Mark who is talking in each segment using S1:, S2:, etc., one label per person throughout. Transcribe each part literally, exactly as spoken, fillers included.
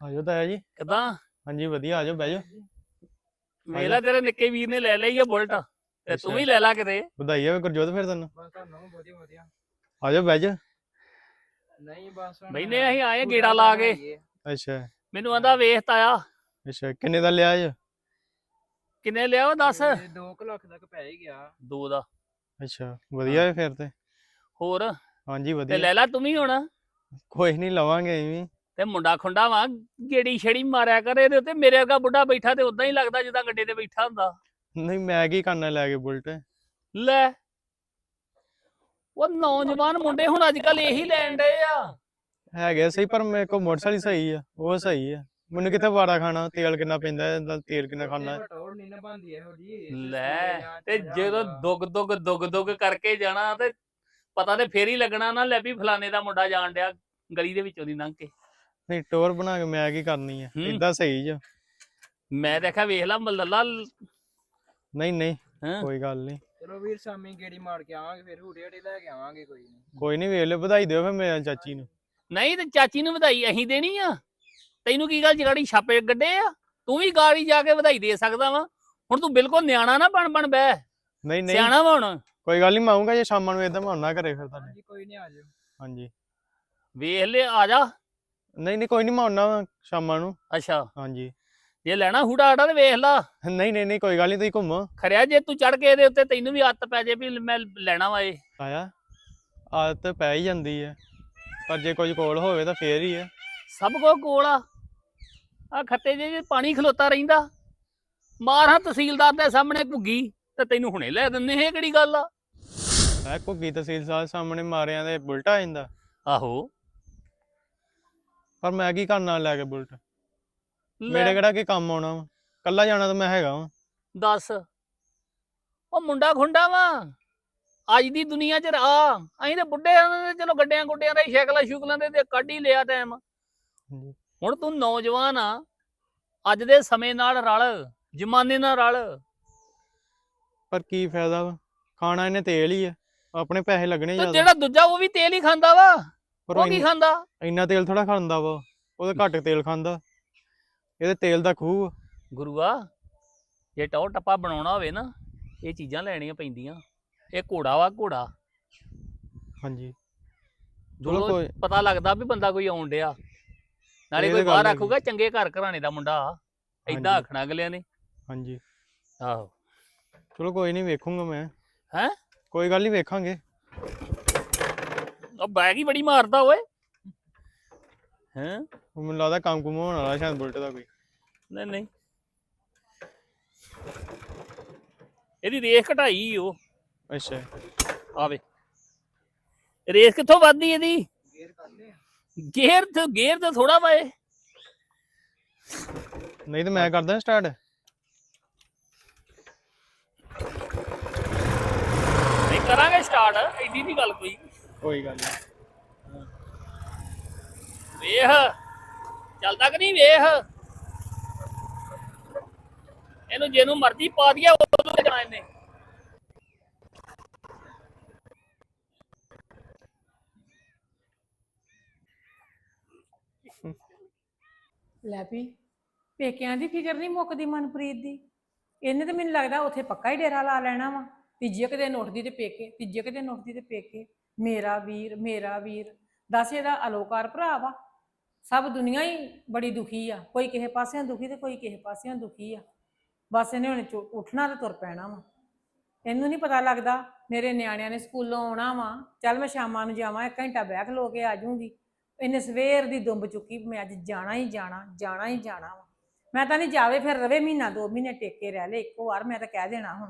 S1: ਆਜੋ ਤਾਇਆ ਜੀ।
S2: ਕਿਦਾਂ
S1: ਹਾਂਜੀ ਵਧੀਆ, ਆਜੋ ਬਹਿ ਜਾਓ।
S2: ਵੇਲਾ ਤੇਰੇ ਨਿੱਕੇ ਵੀਰ ਨੇ ਲੈ ਲਈ ਆ ਬੁਲਟ ਤੇ ਤੂੰ ਵੀ ਲੈ ਲਾ ਕਿਤੇ।
S1: ਵਧਾਈ ਹੋਵੇ ਗੁਰਜੋਤ ਫਿਰ ਤੈਨੂੰ।
S3: ਬਸ ਤੁਹਾਨੂੰ ਵਧੀਆ ਵਧੀਆ।
S1: ਆਜੋ ਬਹਿ ਜਾ।
S3: ਨਹੀਂ ਬਸ ਹੁਣ
S2: ਬੈਨੇ ਅਸੀਂ ਆਏ ਗੇੜਾ ਲਾ ਕੇ।
S1: ਅੱਛਾ
S2: ਮੈਨੂੰ ਆਂਦਾ ਵੇਖ ਤਾਇਆ।
S1: ਅੱਛਾ ਕਿੰਨੇ ਦਾ ਲਿਆ ਜੀ?
S2: ਕਿੰਨੇ ਲਿਆ ਉਹ ਦੱਸ।
S3: ਦੋ ਕੁ ਲੱਖ ਤੱਕ ਪੈ ਹੀ ਗਿਆ।
S2: ਦੋ ਦਾ।
S1: ਅੱਛਾ ਵਧੀਆ ਹੈ ਫਿਰ ਤੇ।
S2: ਹੋਰ
S1: ਹਾਂਜੀ
S2: ਤੇ
S1: ਵਧੀਆ।
S2: ਲੈ ਲਾ ਤੂੰ ਵੀ ਹੁਣ।
S1: ਕੋਈ ਨਹੀਂ ਲਵਾਂਗੇ ਐਵੇਂ।
S2: ਤੇ ਮੁੰਡਾ ਖੁੰਡਾ ਵਾ ਗੇੜੀ ਛੜੀ ਮਾਰਿਆ ਕਰ ਇਹਦੇ ਉੱਤੇ। ਮੇਰੇ ਵਰਗਾ ਬੁੱਢਾ ਬੈਠਾ ਤੇ ਉਦਾਂ ਹੀ ਲੱਗਦਾ ਜਿੱਦਾਂ ਗੱਡੇ ਤੇ ਬੈਠਾ ਹੁੰਦਾ।
S1: ਨਹੀਂ ਮੈਂ ਕੀ ਕਰਨਾ ਲੈ ਕੇ ਬੁਲਟ।
S2: ਲੈ ਉਹ ਨੌਜਵਾਨ ਮੁੰਡੇ ਹੁਣ ਅੱਜ ਕੱਲ ਇਹੀ ਲੈਣ ਡਏ ਆ।
S1: ਹੈਗੇ ਸਹੀ ਪਰ ਮੇਰੇ ਕੋਲ ਮੋਟਰਸਾਈਕਲ ਸਹੀ ਆ, ਉਹ ਸਹੀ ਆ। ਮੈਨੂੰ ਕਿੱਥੇ ਵਾਰਾ ਖਾਣਾ, ਤੇਲ ਕਿੰਨਾ ਪੈਂਦਾ ਇਹਦਾ, ਤੇਲ ਕਿੰਨਾ ਖਾਣਾ।
S3: ਟੋੜ ਨਹੀਂ ਨਾ ਬੰਦੀ ਇਹੋ ਜੀ।
S2: ਲੈ ਤੇ ਜਦੋਂ ਦੁੱਗ ਦੁੱਗ ਦੁੱਗ ਦੁੱਗ ਕਰਕੇ ਜਾਣਾ ਤੇ ਪਤਾ ਤੇ ਫੇਰ ਹੀ ਲੱਗਣਾ ਨਾ ਲੈ ਵੀ ਫਲਾਣੇ ਦਾ ਮੁੰਡਾ ਜਾਣ ਡਿਆ ਗਲੀ ਦੇ ਵਿੱਚੋਂ ਦੀ ਲੰਘ ਕੇ।
S1: ਨਹੀਂ ਟੋਰ ਬਣਾ ਕੇ ਮੈਂ ਕੀ ਕਰਨੀ ਆ, ਏਦਾਂ ਸਹੀ ਜਾ।
S2: ਮੈਂ ਦੇਖਿਆ ਵੇਖ ਲਾ ਮੱਲਲਾ।
S1: ਨਹੀਂ ਨਹੀਂ ਕੋਈ ਗੱਲ ਨਹੀਂ।
S3: ਚਲੋ ਵੀਰ ਸ਼ਾਮੀ ਗੇੜੀ ਮਾਰ ਕੇ ਆਵਾਂਗੇ, ਫਿਰ ਹੂਟੇ ਹੂਟੇ ਲੈ ਕੇ ਆਵਾਂਗੇ। ਕੋਈ ਨਹੀਂ
S1: ਕੋਈ ਨਹੀਂ ਵੇਖ ਲਿਓ, ਵਧਾਈ ਦਿਓ ਫਿਰ ਮੇਰੇ ਚਾਚੀ ਨੂੰ।
S2: ਨਹੀਂ ਤੇ ਚਾਚੀ ਨੂੰ ਵਧਾਈ ਅਸੀਂ ਦੇਣੀ ਆ। ਤੈਨੂੰ ਕੀ ਗੱਲ ਜਗਾੜੀ ਛਾਪੇ ਗੱਡੇ ਆ? ਤੂੰ ਵੀ ਗਾੜੀ ਜਾ ਕੇ ਵਧਾਈ ਦੇ ਸਕਦਾ ਵਾ। ਹੁਣ ਤੂੰ ਬਿਲਕੁਲ ਨਿਆਣਾ ਨਾ ਬਣ ਬਣ ਬਹਿ।
S1: ਨਹੀਂ ਨਹੀਂ
S2: ਸਿਆਣਾ ਵਾ ਹੁਣ।
S1: ਕੋਈ ਗੱਲ ਨਹੀਂ, ਮੈਂ ਆਉਂਗਾ ਜੇ ਸ਼ਾਮਾਂ ਨੂੰ ਏਦਾਂ ਮੈਂ ਆਉਣਾ ਘਰੇ ਫਿਰ ਤੁਹਾਡੇ।
S3: ਹਾਂਜੀ ਕੋਈ ਨਹੀਂ ਆ ਜਾਓ।
S1: ਹਾਂਜੀ
S2: ਵੇਖ ਲੈ ਆ ਜਾ।
S1: ਨਹੀਂ ਨਹੀਂ ਕੋਈ ਨਹੀਂ ਮੈਂ ਆਉਣਾ ਸ਼ਾਮਾਂ ਨੂੰ।
S2: ਅੱਛਾ
S1: ਹਾਂਜੀ
S2: ਜੇ ਲੈਣਾ ਹੂੜਾ ਆੜਾ ਤੇ ਵੇਖ ਲਾ।
S1: ਨਹੀਂ ਨਹੀਂ ਨਹੀਂ ਕੋਈ ਗੱਲ ਨਹੀਂ, ਤੁਸੀਂ ਘੁੰਮੋ।
S2: ਖਰਿਆ ਜੇ ਤੂੰ ਚੜ ਕੇ ਇਹਦੇ ਉੱਤੇ ਤੈਨੂੰ ਵੀ ਆਦਤ ਪੈ ਜੇ ਵੀ ਮੈਂ ਲੈਣਾ ਵਾ ਇਹ।
S1: ਆਇਆ ਆਦਤ ਪੈ ਹੀ ਜਾਂਦੀ ਹੈ, ਪਰ ਜੇ ਕੁਝ ਕੋਲ ਹੋਵੇ ਤਾਂ ਫੇਰ ਹੀ ਹੈ।
S2: ਸਭ ਕੋ ਕੋਲ ਆ। ਆ ਖੱਤੇ ਜੇ ਪਾਣੀ ਖਲੋਤਾ ਰਹਿੰਦਾ। ਮਾਰ ਹਾਂ ਤਹਿਸੀਲਦਾਰ ਦੇ ਸਾਹਮਣੇ ਘੁੱਗੀ ਤੇ ਤੈਨੂੰ ਹੁਣੇ ਲੈ ਦਿੰਦੇ। ਇਹ ਕਿਹੜੀ ਗੱਲ ਆ?
S1: ਮੈਂ ਘੁੱਗੀ ਤਹਿਸੀਲ ਸਾਹਿਬ ਸਾਹਮਣੇ ਮਾਰਿਆਂ ਦੇ ਬੁਲਟ ਆ ਜਾਂਦਾ।
S2: ਆਹੋ
S1: ਪਰ ਮੈਂ ਕੀ ਕਰਨਾ ਲੈ ਕੇ ਬੁਲਟ? ਮੇਰੇ ਕਿਹੜਾ ਕੀ ਕੰਮ ਆਉਣਾ ਵਾ? ਕੱਲਾ ਜਾਣਾ ਤਾਂ ਮੈਂ ਹੈਗਾ ਵਾ।
S2: ਦੱਸ ਉਹ ਮੁੰਡਾ ਖੁੰਡਾ ਵਾ ਅੱਜ ਦੀ ਦੁਨੀਆ 'ਚ ਆ। ਅਸੀਂ ਤੇ ਬੁੱਢੇ ਆ, ਚਲੋ ਗੱਡਿਆਂ ਗੁੱਡਿਆਂ ਦਾ ਸ਼ੈਕਲਾਂ ਸ਼ੁਕਲਾਂ ਦੇ ਤੇ ਕੱਢ ਹੀ ਲਿਆ ਟਾਈਮ। ਹੁਣ ਤੂੰ ਨੌਜਵਾਨ ਆ, ਅੱਜ ਦੇ ਸਮੇਂ ਨਾਲ ਰਲ, ਜ਼ਮਾਨੇ ਨਾਲ ਰਲ।
S1: ਪਰ ਕੀ ਫਾਇਦਾ ਵਾ? ਖਾਣਾ ਇਹਨੇ ਤੇਲ ਹੀ ਆ, ਆਪਣੇ ਪੈਸੇ ਲੱਗਣੇ
S2: ਤੇ
S1: ਜ਼ਿਆਦਾ।
S2: ਜਿਹੜਾ ਦੂਜਾ ਉਹ ਵੀ ਤੇਲ ਹੀ ਖਾਂਦਾ ਵਾ।
S1: ਪਰ
S2: ਉਹ ਕੀ ਖਾਂਦਾ?
S1: ਇੰਨਾ ਤੇਲ ਥੋੜਾ ਖਾਂਦਾ ਵਾ, ਉਹ ਤਾਂ ਘੱਟ ਤੇਲ ਖਾਂਦਾ। ਇਹਦੇ ਤੇਲ ਦਾ ਖੂਹ।
S2: ਗੁਰੂਆ ਜੇ ਟੌਰ ਟੱਪਾ ਬਣਾਉਣਾ ਹੋਵੇ ਨਾ, ਇਹ ਚੀਜ਼ਾਂ ਲੈਣੀਆਂ ਪੈਂਦੀਆਂ। ਇਹ ਘੋੜਾ ਵਾ ਘੋੜਾ।
S1: ਹਾਂਜੀ
S2: ਚਲੋ
S1: ਕੋਈ
S2: ਪਤਾ ਲੱਗਦਾ ਵੀ ਬੰਦਾ ਕੋਈ ਆਉਣ ਡਿਆ। ਨਾਲੇ ਕੋਈ ਬਾਹਰ ਆਖੂਗਾ ਚੰਗੇ ਘਰ ਘਰਾਣੇ ਦਾ ਮੁੰਡਾ ਆ, ਏਦਾਂ ਆਖਣਾ ਅਗਲਿਆਂ ਨੇ।
S1: ਹਾਂਜੀ
S2: ਆਹੋ
S1: ਚਲੋ ਕੋਈ ਨਹੀਂ, ਵੇਖੂੰਗਾ ਮੈਂ।
S2: ਹੈਂ
S1: ਕੋਈ ਗੱਲ ਨਹੀਂ, ਵੇਖਾਂਗੇ।
S2: ਉਹ ਬੈਗ ਹੀ ਬੜੀ ਮਾਰਦਾ ਓਏ। ਹੈਂ
S1: ਮੈਨੂੰ ਲੱਗਦਾ ਕੰਮ ਕੁਮ ਹੋਣ ਵਾਲਾ ਸ਼ਾਇਦ ਬੁਲਟ ਦਾ ਕੋਈ।
S2: ਨਹੀਂ ਨਹੀਂ ਇਹਦੀ ਰੇਸ ਘਟਾਈ ਉਹ।
S1: ਅੱਛਾ
S2: ਆਵੇ ਰੇਸ ਕਿੱਥੋਂ ਵੱਧਦੀ ਇਹਦੀ?
S3: ਗੇਅਰ ਕੱਢਦੇ ਆ।
S2: ਗੇਅਰ ਤੇ ਗੇਅਰ ਤੇ ਥੋੜਾ ਵਾ ਇਹ।
S1: ਨਹੀਂ ਤਾਂ ਮੈਂ ਕਰਦਾ ਸਟਾਰਟ।
S2: ਨਹੀਂ ਕਰਾਂਗੇ ਸਟਾਰਟ, ਐਡੀ ਦੀ ਗੱਲ ਕੋਈ।
S1: ਕੋਈ ਗੱਲ ਨਹੀਂ।
S2: ਵੇਖ ਚੱਲਦਾ ਕਿ ਨਹੀਂ? ਵੇਖ ਇਹਨੂੰ ਜਿਹਨੂੰ ਮਰਜ਼ੀ ਪਾ ਦਿਆ ਉਦੋਂ ਜਾਣਾ ਇਹਨੇ।
S4: ਲੈ ਵੀ ਪੇਕਿਆਂ ਦੀ ਫਿਕਰ ਨਹੀਂ ਮੁੱਕਦੀ ਮਨਪ੍ਰੀਤ ਦੀ। ਇਹਨੇ ਤਾਂ ਮੈਨੂੰ ਲੱਗਦਾ ਉੱਥੇ ਪੱਕਾ ਹੀ ਡੇਰਾ ਲਾ ਲੈਣਾ ਵਾ। ਤੀਜੇ ਕੁ ਦਿਨ ਉੱਠਦੀ ਤੇ ਪੇਕੇ, ਤੀਜੇ ਕੁ ਦਿਨ ਉੱਠਦੀ ਤੇ ਪੇਕੇ। ਮੇਰਾ ਵੀਰ ਮੇਰਾ ਵੀਰ ਦੱਸ, ਇਹਦਾ ਅਲੋਕਾਰ ਭਰਾ ਵਾ। ਸਭ ਦੁਨੀਆ ਹੀ ਬੜੀ ਦੁਖੀ ਆ, ਕੋਈ ਕਿਸੇ ਪਾਸਿਓਂ ਦੁਖੀ ਤੇ ਕੋਈ ਕਿਸੇ ਪਾਸਿਓਂ ਦੁਖੀ ਆ। ਬਸ ਇਹਨੇ ਹੁਣ ਉੱਠਣਾ ਤੇ ਤੁਰ ਪੈਣਾ ਵਾ। ਇਹਨੂੰ ਨਹੀਂ ਪਤਾ ਲੱਗਦਾ ਮੇਰੇ ਨਿਆਣਿਆਂ ਨੇ ਸਕੂਲੋਂ ਆਉਣਾ ਵਾ, ਚੱਲ ਮੈਂ ਸ਼ਾਮਾਂ ਨੂੰ ਜਾਵਾਂ, ਇੱਕ ਘੰਟਾ ਬਹਿ ਖਲੋ ਕੇ ਆ ਜਾਊਂਗੀ। ਇਹਨੇ ਸਵੇਰ ਦੀ ਦੁੰਬ ਚੁੱਕੀ, ਮੈਂ ਅੱਜ ਜਾਣਾ ਹੀ ਜਾਣਾ ਜਾਣਾ ਹੀ ਜਾਣਾ ਵਾ। ਮੈਂ ਤਾਂ ਨਹੀਂ ਜਾਵੇ ਫਿਰ ਰਵੇ ਮਹੀਨਾ ਦੋ ਮਹੀਨੇ ਟੇਕੇ ਰਹਿ ਲੈ ਇੱਕੋ ਵਾਰ, ਮੈਂ ਤਾਂ ਕਹਿ ਦੇਣਾ ਹੁਣ।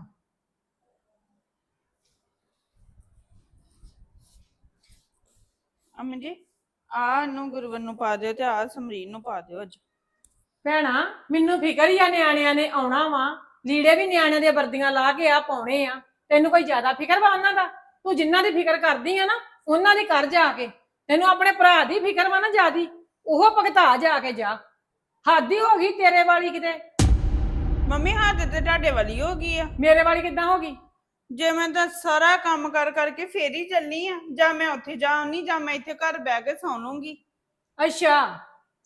S5: ਅਮਨ ਜੀ ਆ ਨੂੰ ਗੁਰਵਰ ਨੂੰ ਪਾ ਦਿਓ ਤੇ ਆ ਸਮਰੀਨ ਨੂੰ ਪਾ ਦਿਓ। ਅੱਜ
S4: ਭੈਣਾ ਮੈਨੂੰ ਫਿਕਰ ਹੀ ਆ, ਨਿਆਣਿਆਂ ਨੇ ਆਉਣਾ ਵਾ, ਲੀੜੇ ਵੀ ਨਿਆਣਿਆਂ ਦੀਆਂ ਵਰਦੀਆਂ ਲਾ ਕੇ ਆ ਪਾਉਣੇ ਆ। ਤੈਨੂੰ ਕੋਈ ਜ਼ਿਆਦਾ ਫਿਕਰ ਵਾ ਉਹਨਾਂ ਦਾ? ਤੂੰ ਜਿੰਨਾਂ ਦੀ ਫਿਕਰ ਕਰਦੀ ਆ ਨਾ ਉਹਨਾਂ ਦੀ ਕਰ ਜਾ ਕੇ। ਤੈਨੂੰ ਆਪਣੇ ਭਰਾ ਦੀ ਫਿਕਰ ਵਾ ਨਾ ਜ਼ਿਆਦੀ, ਉਹ ਭਗਤਾ ਜਾ ਕੇ ਜਾ। ਹੱਦ ਹੀ ਹੋ ਗਈ ਤੇਰੇ ਵਾਲੀ ਕਿਤੇ।
S5: ਮੰਮੀ ਹੱਥ ਤੇ ਤੁਹਾਡੇ ਵਾਲੀ ਹੋ ਗਈ ਆ।
S4: ਮੇਰੇ ਵਾਲੀ ਕਿੱਦਾਂ ਹੋ ਗਈ?
S5: ਜੇ ਮੈਂ ਤਾਂ ਸਾਰਾ ਕੰਮ ਕਰ ਕਰਕੇ ਫੇਰ ਹੀ ਚੱਲਣੀ ਆ, ਜਾਂ ਮੈਂ ਉੱਥੇ ਜਾਉਣੀ ਜਾਂ ਮੈਂ ਇੱਥੇ ਘਰ ਬਹਿ ਕੇ ਸੌਂ ਲੂੰਗੀ।
S4: ਅੱਛਾ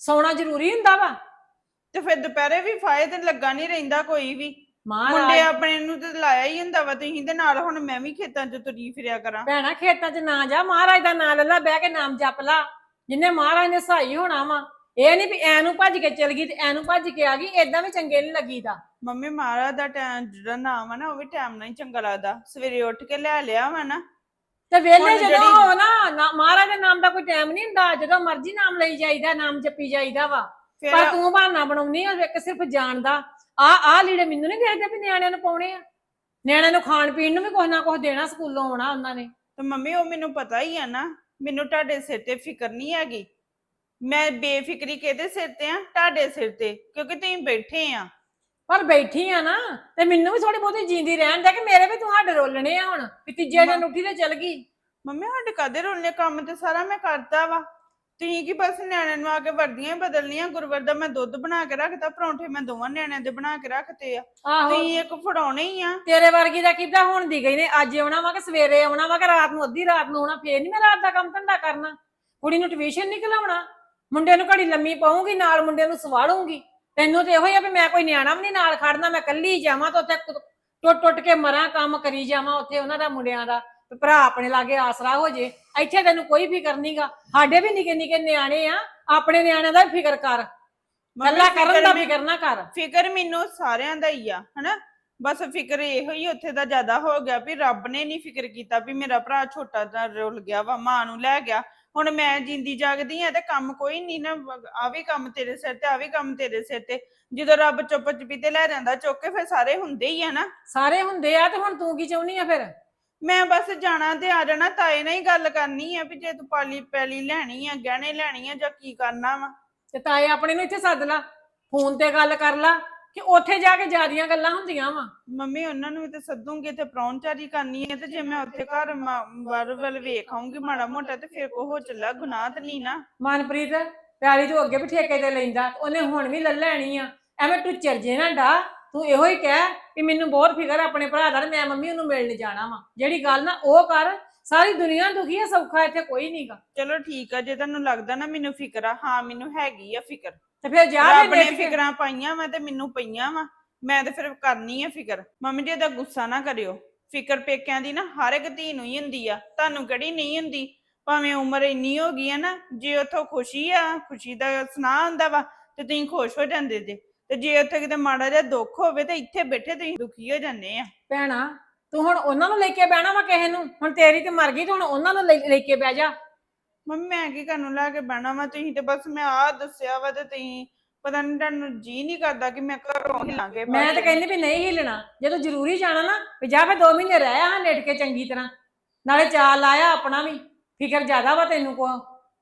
S4: ਸੌਣਾ ਜ਼ਰੂਰੀ ਹੁੰਦਾ ਵਾ।
S5: ਤੇ ਫਿਰ ਦੁਪਹਿਰੇ ਵੀ ਫਾਇ ਤੇ ਲੱਗਾ ਨਹੀਂ ਰਹਿੰਦਾ ਕੋਈ ਵੀ। ਮੁੰਡੇ
S4: ਮਹਾਰਾਜ
S5: ਆਪਣੇ ਨੂੰ ਤੇ ਲਾਇਆ ਹੀ ਹੁੰਦਾ ਵਾ ਤੁਸੀਂ ਦੇ ਨਾਲ। ਹੁਣ ਮੈਂ ਵੀ ਖੇਤਾਂ 'ਚ ਤੁਰੀ ਫਿਰਿਆ ਕਰਾਂ।
S4: ਭੈਣਾ ਖੇਤਾਂ 'ਚ ਨਾ ਜਾ, ਮਹਾਰਾਜ ਦਾ ਨਾਮ ਲੈ ਲਾ, ਬਹਿ ਕੇ ਨਾਮ ਜਪ ਲਾ, ਜਿੰਨੇ ਮਹਾਰਾਜ ਨੇ ਸਹਾਈ ਹੋਣਾ ਵਾ। ਇਹ ਨਹੀਂ ਵੀ ਐਨੂੰ ਭੱਜ ਕੇ ਚਲ ਗਈ ਤੇ ਐਨੂੰ ਭੱਜ ਕੇ ਆ ਗਈ, ਏਦਾਂ ਵੀ ਚੰਗੇ ਨਹੀਂ ਲੱਗੀਦਾ।
S5: ਮੰਮੀ ਮਹਾਰਾਜ ਦਾ ਟਾਈਮ ਜਿਹੜਾ ਨਾਮ ਆ ਨਾ, ਉਹ ਵੀ ਟਾਈਮ ਨਾਲ ਹੀ ਚੰਗਾ ਲੱਗਦਾ। ਸਵੇਰੇ ਉੱਠ ਕੇ ਲੈ ਲਿਆ ਵਾ ਨਾ।
S4: ਤੇ ਵੇਲੇ
S5: ਹੁਣ
S4: ਜਦੋਂ
S5: ਜਿਹੜੀ-
S4: ਹੋ ਨਾ ਨਾ- ਮਹਾਰਾਜ ਦੇ ਨਾਮ ਦਾ ਕੋਈ ਟਾਈਮ ਨਹੀਂ ਹੁੰਦਾ, ਜਦੋਂ ਮਰਜ਼ੀ ਨਾਮ ਲਈ ਜਾਈਦਾ, ਨਾਮ ਜਪੀ ਜਾਈਦਾ ਵਾ।
S5: ਫਿਰ
S4: ਪਰ ਤੂੰ ਬਹਾਨਾ ਬਣਾਉਣੀ ਆ ਇੱਕ ਸਿਰਫ ਜਾਣਦਾ। ਆ ਆ ਲੀੜੇ ਮੈਨੂੰ ਨਹੀਂ ਦੇਖਦੇ ਵੀ ਨਿਆਣਿਆਂ ਨੂੰ ਪਾਉਣੇ ਆ। ਨਿਆਣਿਆਂ ਨੂੰ ਖਾਣ ਪੀਣ ਨੂੰ ਵੀ ਕੁਛ ਨਾ ਕੁਛ ਦੇਣਾ, ਸਕੂਲੋਂ ਆਉਣਾ ਉਹਨਾਂ ਨੇ।
S5: ਤੇ ਮੰਮੀ ਉਹ ਮੈਨੂੰ ਪਤਾ ਹੀ ਆ ਨਾ, ਮੈਨੂੰ ਤੁਹਾਡੇ ਸਿਰ ਤੇ ਫਿਕਰ ਨਹੀਂ ਹੈਗੀ। ਮੈਂ ਬੇਫਿਕਰੀ ਕਿਹਦੇ ਸਿਰ ਤੇ ਆ? ਤੁਹਾਡੇ ਸਿਰ ਤੇ, ਕਿਉਂਕਿ ਤੁਸੀਂ ਬੈਠੇ ਆ।
S4: ਪਰ ਬੈਠੀ ਆ ਨਾ ਤੇ ਮੈਨੂੰ ਵੀ ਥੋੜੀ ਬਹੁਤੀ ਜੀਂਦੀ ਰਹਿਣ ਦੇ, ਕਿ ਮੇਰੇ ਵੀ ਤੂੰ ਹੱਡ ਰੋਲਣੇ ਆ ਹੁਣ ਵੀ ਤੀਜੇ ਦਿਨ ਉੱਠੀ ਤੇ ਚਲ ਗਈ।
S5: ਮੰਮੀ ਸਾਡੇ ਕਦੇ ਰੋਲਨੇ ਕੰਮ ਤੇ ਸਾਰਾ ਮੈਂ ਕਰਤਾ ਵਾ। ਤੁਸੀਂ ਕੀ ਬਸ ਨਿਆਣਿਆਂ ਨੂੰ ਆ ਕੇ ਵਰਦੀਆਂ ਹੀ ਬਦਲਣੀਆਂ। ਗੁਰਵਰ ਦਾ ਮੈਂ ਦੁੱਧ ਬਣਾ ਕੇ ਰੱਖਤਾ, ਪਰੌਂਠੇ ਮੈਂ ਦੋਵਾਂ ਨਿਆਣਿਆਂ ਦੇ ਬਣਾ ਕੇ ਰੱਖਤੇ ਆ।
S4: ਆਹੋ
S5: ਤੁਸੀਂ ਇੱਕ ਫੜਾਉਣੇ ਹੀ ਆ।
S4: ਤੇਰੇ ਵਰਗੀ ਦਾ ਕਿੱਦਾਂ ਹੁਣ ਦੀ ਗਈ ਨੇ, ਅੱਜ ਆਉਣਾ ਵਾ ਕਿ ਸਵੇਰੇ ਆਉਣਾ ਵਾ ਕਿ ਰਾਤ ਨੂੰ, ਅੱਧੀ ਰਾਤ ਨੂੰ ਆਉਣਾ, ਫੇਰ ਨਹੀਂ ਮੈਂ ਰਾਤ ਦਾ ਕੰਮ ਧੰਦਾ ਕਰਨਾ। ਕੁੜੀ ਨੂੰ ਟਿਊਸ਼ਨ ਨਹੀਂ ਘਲਾਉਣਾ, ਮੁੰਡੇ ਨੂੰ ਘੜੀ ਲੰਮੀ ਪਾਉਂਗੀ, ਨਾਲ ਮੁੰਡੇ ਨੂੰ ਸਵਾਲੂੰਗੀ। ਤੈਨੂੰ ਤੇ ਇਹੋ ਹੀ ਆ ਵੀ ਮੈਂ ਕੋਈ ਨਿਆਣਾ ਵੀ ਨਹੀਂ ਨਾਲ ਖੜਨਾ, ਮੈਂ ਕੱਲੀ ਜਾਵਾਂ ਤਾਂ ਉੱਥੇ ਟੁੱਟ ਟੁੱਟ ਕੇ ਮਰਾਂ, ਕੰਮ ਕਰੀ ਜਾਵਾਂ ਉੱਥੇ ਉਹਨਾਂ ਦਾ ਮੁੰਡਿਆਂ ਦਾ, ਤੇ ਭਰਾ ਆਪਣੇ ਲਾਗੇ ਆਸਰਾ ਹੋ ਜੇ। ਇੱਥੇ ਤੈਨੂੰ ਕੋਈ ਫਿਕਰ ਨਹੀਂਗਾ। ਸਾਡੇ ਵੀ ਨਿੱਕੇ ਨਿੱਕੇ ਨਿਆਣੇ ਆ, ਆਪਣੇ ਨਿਆਣਿਆਂ ਦਾ ਵੀ ਫਿਕਰ ਕਰ, ਕੱਲਾ ਕਰਨ ਦਾ ਫਿਕਰ ਨਾ ਕਰ।
S5: ਫਿਕਰ ਮੈਨੂੰ ਸਾਰਿਆਂ ਦਾ ਹੀ ਆ ਹਨਾ। ਬਸ ਫਿਕਰ ਇਹੋ ਹੀ ਉੱਥੇ ਦਾ ਜ਼ਿਆਦਾ ਹੋ ਗਿਆ ਵੀ ਰੱਬ ਨੇ ਨਹੀਂ ਫਿਕਰ ਕੀਤਾ ਵੀ ਮੇਰਾ ਭਰਾ ਛੋਟਾ ਜਿਹਾ ਰੁੱਲ ਗਿਆ ਵਾ, ਮਾਂ ਨੂੰ ਲੈ ਗਿਆ। ਹੁਣ ਮੈਂ ਜਿੰਦੀ ਜਾਗਦੀ ਆ ਤੇ ਕੰਮ ਕੋਈ ਨਹੀਂ ਨਾ, ਆ ਵੀ ਕੰਮ ਤੇਰੇ ਸਿਰ ਤੇ, ਆ ਵੀ ਕੰਮ ਤੇਰੇ ਸਿਰ ਤੇ। ਜਦੋਂ ਰੱਬ ਚੁੱਪ ਚਪੀਤੇ ਲੈ ਜਾਂਦਾ ਚੁੱਕ ਕੇ, ਫਿਰ ਸਾਰੇ ਹੁੰਦੇ ਹੀ ਆ ਨਾ।
S4: ਸਾਰੇ ਹੁੰਦੇ ਆ, ਤੇ ਹੁਣ ਤੂੰ ਕੀ ਚਾਹੁੰਦੀ ਆ ਫਿਰ?
S5: ਮੈਂ ਬਸ ਜਾਣਾ ਤੇ ਆ ਜਾਣਾ, ਤਾਏ ਨਾਲ ਹੀ ਗੱਲ ਕਰਨੀ ਆ ਵੀ ਜੇ ਤੂੰ ਪਾਲੀ ਪੈਲੀ ਲੈਣੀ ਆ, ਗਹਿਣੇ ਲੈਣੀ ਆ, ਜਾਂ ਕੀ ਕਰਨਾ ਵਾ।
S4: ਤੇ ਤਾਏ ਆਪਣੇ ਨੂੰ ਇੱਥੇ ਸੱਦ ਲਾ, ਫੋਨ ਤੇ ਗੱਲ ਕਰ ਲਾ, ਕਿ ਉੱਥੇ ਜਾ ਕੇ ਜ਼ਿਆਦੀਆਂ ਗੱਲਾਂ ਹੁੰਦੀਆਂ ਵਾ।
S5: ਮੰਮੀ ਉਹਨਾਂ ਨੂੰ ਵੀ ਤੇ ਸੱਦੂਗੀ ਤੇ ਪ੍ਰਾਹੁਣਚਾਰੀ ਕਰਨੀ ਹੈ, ਤੇ ਜੇ ਮੈਂ ਉੱਥੇ ਘਰ ਬਾਹਰ ਵੱਲ ਵੇਖ ਆਉਂਗੀ ਮਾੜਾ ਮੋਟਾ, ਤੇ ਫਿਰ ਕੋ ਹੋ ਚੱਲਾ, ਗੁਨਾਹ ਤੇ ਨਹੀਂ ਨਾ।
S4: ਮਨਪ੍ਰੀਤ ਪਿਆਲੀ ਤੋਂ ਅੱਗੇ ਵੀ ਠੇਕੇ ਤੇ ਲੈਂਦਾ, ਉਹਨੇ ਹੁਣ ਵੀ ਲੈ ਲੈਣੀ ਆ। ਐਵੇਂ ਤੂੰ ਚਰਜੇ ਨਾ ਡਾ, ਤੂੰ ਇਹੋ ਹੀ ਕਹਿ ਕਿ ਮੈਨੂੰ ਬਹੁਤ ਫਿਕਰ ਆਪਣੇ ਭਰਾ ਦਾ, ਮੈਂ ਮੰਮੀ ਉਹਨੂੰ ਮਿਲਣ ਜਾਣਾ ਵਾ। ਜਿਹੜੀ ਗੱਲ ਨਾ ਉਹ ਕਰ, ਸਾਰੀ ਦੁਨੀਆ ਦੁਖੀ ਆ, ਸੌਖਾ ਇੱਥੇ ਕੋਈ ਨਹੀਂਗਾ।
S5: ਚਲੋ ਠੀਕ ਆ, ਜੇ ਤੁਹਾਨੂੰ ਲੱਗਦਾ ਨਾ ਮੈਨੂੰ ਫਿਕਰ ਆ, ਹਾਂ ਮੈਨੂੰ ਹੈਗੀ ਆ ਫਿਕਰ।
S4: ਤੇ ਫਿਰ ਜਾ
S5: ਰੱਬ ਨੇ ਫਿਕਰਾਂ ਪਾਈਆਂ ਵਾ ਤੇ ਮੈਨੂੰ ਪਈਆਂ ਵਾ, ਮੈਂ ਤੇ ਫਿਰ ਕਰਨੀ ਆ ਫਿਕਰ। ਮੰਮੀ ਜੀ ਦਾ ਗੁੱਸਾ ਨਾ ਕਰਿਓ, ਫਿਕਰ ਪੇਕਿਆਂ ਦੀ ਨਾ ਹਰ ਇੱਕ ਧੀ ਨੂੰ ਹੀ ਹੁੰਦੀ ਆ, ਤੁਹਾਨੂੰ ਕਿਹੜੀ ਨਹੀਂ ਹੁੰਦੀ। ਭਾਵੇਂ ਉਮਰ ਇੰਨੀ ਹੋ ਗਈ ਆ ਨਾ, ਜੇ ਉੱਥੋਂ ਖੁਸ਼ੀ ਆ, ਖੁਸ਼ੀ ਦਾ ਸੁਨਾਹ ਹੁੰਦਾ ਵਾ ਤੇ ਤੁਸੀਂ ਖੁਸ਼ ਹੋ ਜਾਂਦੇ ਜੇ, ਤੇ ਜੇ ਉੱਥੇ ਕਿਤੇ ਮਾੜਾ ਜਿਹਾ ਦੁੱਖ ਹੋਵੇ ਤੇ ਇੱਥੇ ਬੈਠੇ ਤੁਸੀਂ ਦੁਖੀ ਹੋ ਜਾਂਦੇ ਆ।
S4: ਭੈਣਾ ਤੂੰ ਹੁਣ ਉਹਨਾਂ ਨੂੰ ਲੈ ਕੇ ਬਹਿਣਾ ਵਾ ਕਿਸੇ ਨੂੰ? ਹੁਣ ਤੇਰੀ ਤੇ ਮਰ ਗਈ, ਤੇ ਹੁਣ ਉਹਨਾਂ ਨੂੰ ਲੈ ਕੇ ਬਹਿ ਜਾ।
S5: ਮੰਮੀ ਮੈਂ ਕੀ ਕਰਨ ਲੈ ਕੇ ਬਹਿਣਾ ਵਾ? ਤੁਸੀਂ ਤੇ ਬਸ ਮੈਂ ਆਹ ਦੱਸਿਆ ਵਾ ਤੇ ਤੁਸੀਂ ਪਤਾ ਨਹੀਂ, ਤੁਹਾਨੂੰ ਜੀ ਨਹੀਂ ਕਰਦਾ ਕਿ ਮੈਂ ਘਰੋਂ ਹਿਲਾਂਗੇ।
S4: ਮੈਂ ਤਾਂ ਕਹਿੰਦੀ ਵੀ ਨਹੀਂ ਹਿਲਣਾ, ਜਦੋਂ ਜ਼ਰੂਰੀ ਜਾਣਾ ਨਾ ਵੀ ਜਾ ਫਿਰ ਦੋ ਮਹੀਨੇ ਰਹਿ ਆ ਲੇਟ ਕੇ ਚੰਗੀ ਤਰ੍ਹਾਂ, ਨਾਲੇ ਚਾਲ ਲਾਇਆ ਆਪਣਾ ਵੀ। ਫਿਕਰ ਜ਼ਿਆਦਾ ਵਾ ਤੈਨੂੰ ਕੋ।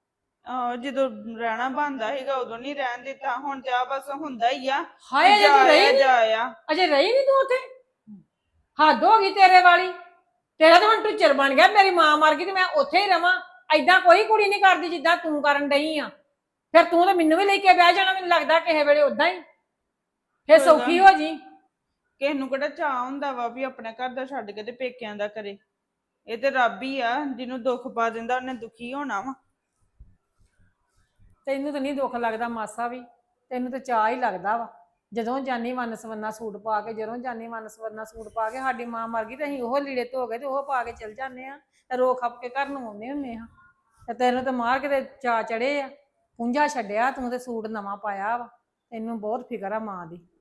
S5: ਆਹੋ ਜਦੋਂ ਰਹਿਣਾ ਬਣਦਾ ਸੀਗਾ ਉਦੋਂ ਨਹੀਂ ਰਹਿਣ ਦਿੱਤਾ, ਹੁਣ ਤੇ ਆ ਬਸ ਹੁੰਦਾ ਹੀ ਆ।
S4: ਹਾਏ ਅਜੇ ਤੂੰ ਰਹੀ ਨੀ,
S5: ਜਾਇਆ
S4: ਅਜੇ ਰਹੀ ਨਹੀਂ ਤੂੰ ਉੱਥੇ? ਹੱਦ ਹੋ ਗਈ ਤੇਰੇ ਵਾਲੀ। ਤੇਰਾ ਤਾਂ ਹੁਣ ਟੁੱਚਰ ਬਣ ਗਿਆ, ਮੇਰੀ ਮਾਂ ਮਰ ਗਈ ਤੇ ਮੈਂ ਉੱਥੇ ਹੀ ਰਵਾਂ। ਐਦਾਂ ਕੋਈ ਕੁੜੀ ਨਹੀਂ ਕਰਦੀ ਜਿੱਦਾਂ ਤੂੰ ਕਰਨ ਡਈ ਆ। ਫਿਰ ਤੂੰ ਤਾਂ ਮੈਨੂੰ ਵੀ ਲੈ ਕੇ ਬਹਿ ਜਾਣਾ, ਮੈਨੂੰ ਲੱਗਦਾ ਕਿਸੇ ਵੇਲੇ ਉਦਾਂ ਹੀ। ਫਿਰ ਸੌਖੀ ਹੋ ਜੀ।
S5: ਕਿਸੇ ਨੂੰ ਕਿਹੜਾ ਚਾਹ ਹੁੰਦਾ ਵਾ ਵੀ ਆਪਣੇ ਘਰ ਦਾ ਛੱਡ ਕੇ ਤੇ ਪੇਕਿਆਂ ਦਾ ਕਰੇ? ਇਹ ਤੇ ਰੱਬ ਹੀ ਆ, ਜਿਹਨੂੰ ਦੁੱਖ ਪਾ ਦਿੰਦਾ ਉਹਨੇ ਦੁਖੀ ਹੋਣਾ ਵਾ।
S4: ਤੈਨੂੰ ਤਾਂ ਨਹੀਂ ਦੁੱਖ ਲੱਗਦਾ ਮਾਸਾ ਵੀ, ਤੈਨੂੰ ਤਾਂ ਚਾਅ ਹੀ ਲੱਗਦਾ ਵਾ। ਜਦੋਂ ਜਾਨੀ ਵੰਨ ਸਵੰਨਾ ਸੂਟ ਪਾ ਕੇ, ਜਦੋਂ ਜਾਨੀ ਵੰਨ ਸਵੰਨਾ ਸੂਟ ਪਾ ਕੇ, ਸਾਡੀ ਮਾਂ ਮਰ ਗਈ ਤੇ ਅਸੀਂ ਉਹ ਲੀੜੇ ਧੋ ਗਏ ਤੇ ਉਹ ਪਾ ਕੇ ਚਲ ਜਾਂਦੇ ਆ, ਤੇ ਰੋ ਖੱਪ ਕੇ ਘਰ ਨੂੰ ਆਉਂਦੇ ਹੁੰਦੇ ਆ। ਤੇ ਤੈਨੂੰ ਤਾਂ ਮਾਰ ਕੇ ਤੇ ਚਾਅ ਚੜੇ ਆ, ਪੁੰਝਾ ਛੱਡਿਆ, ਤੂੰ ਤੇ ਸੂਟ ਨਵਾਂ ਪਾਇਆ ਵਾ। ਤੈਨੂੰ ਬਹੁਤ ਫਿਕਰ ਆ ਮਾਂ ਦੀ।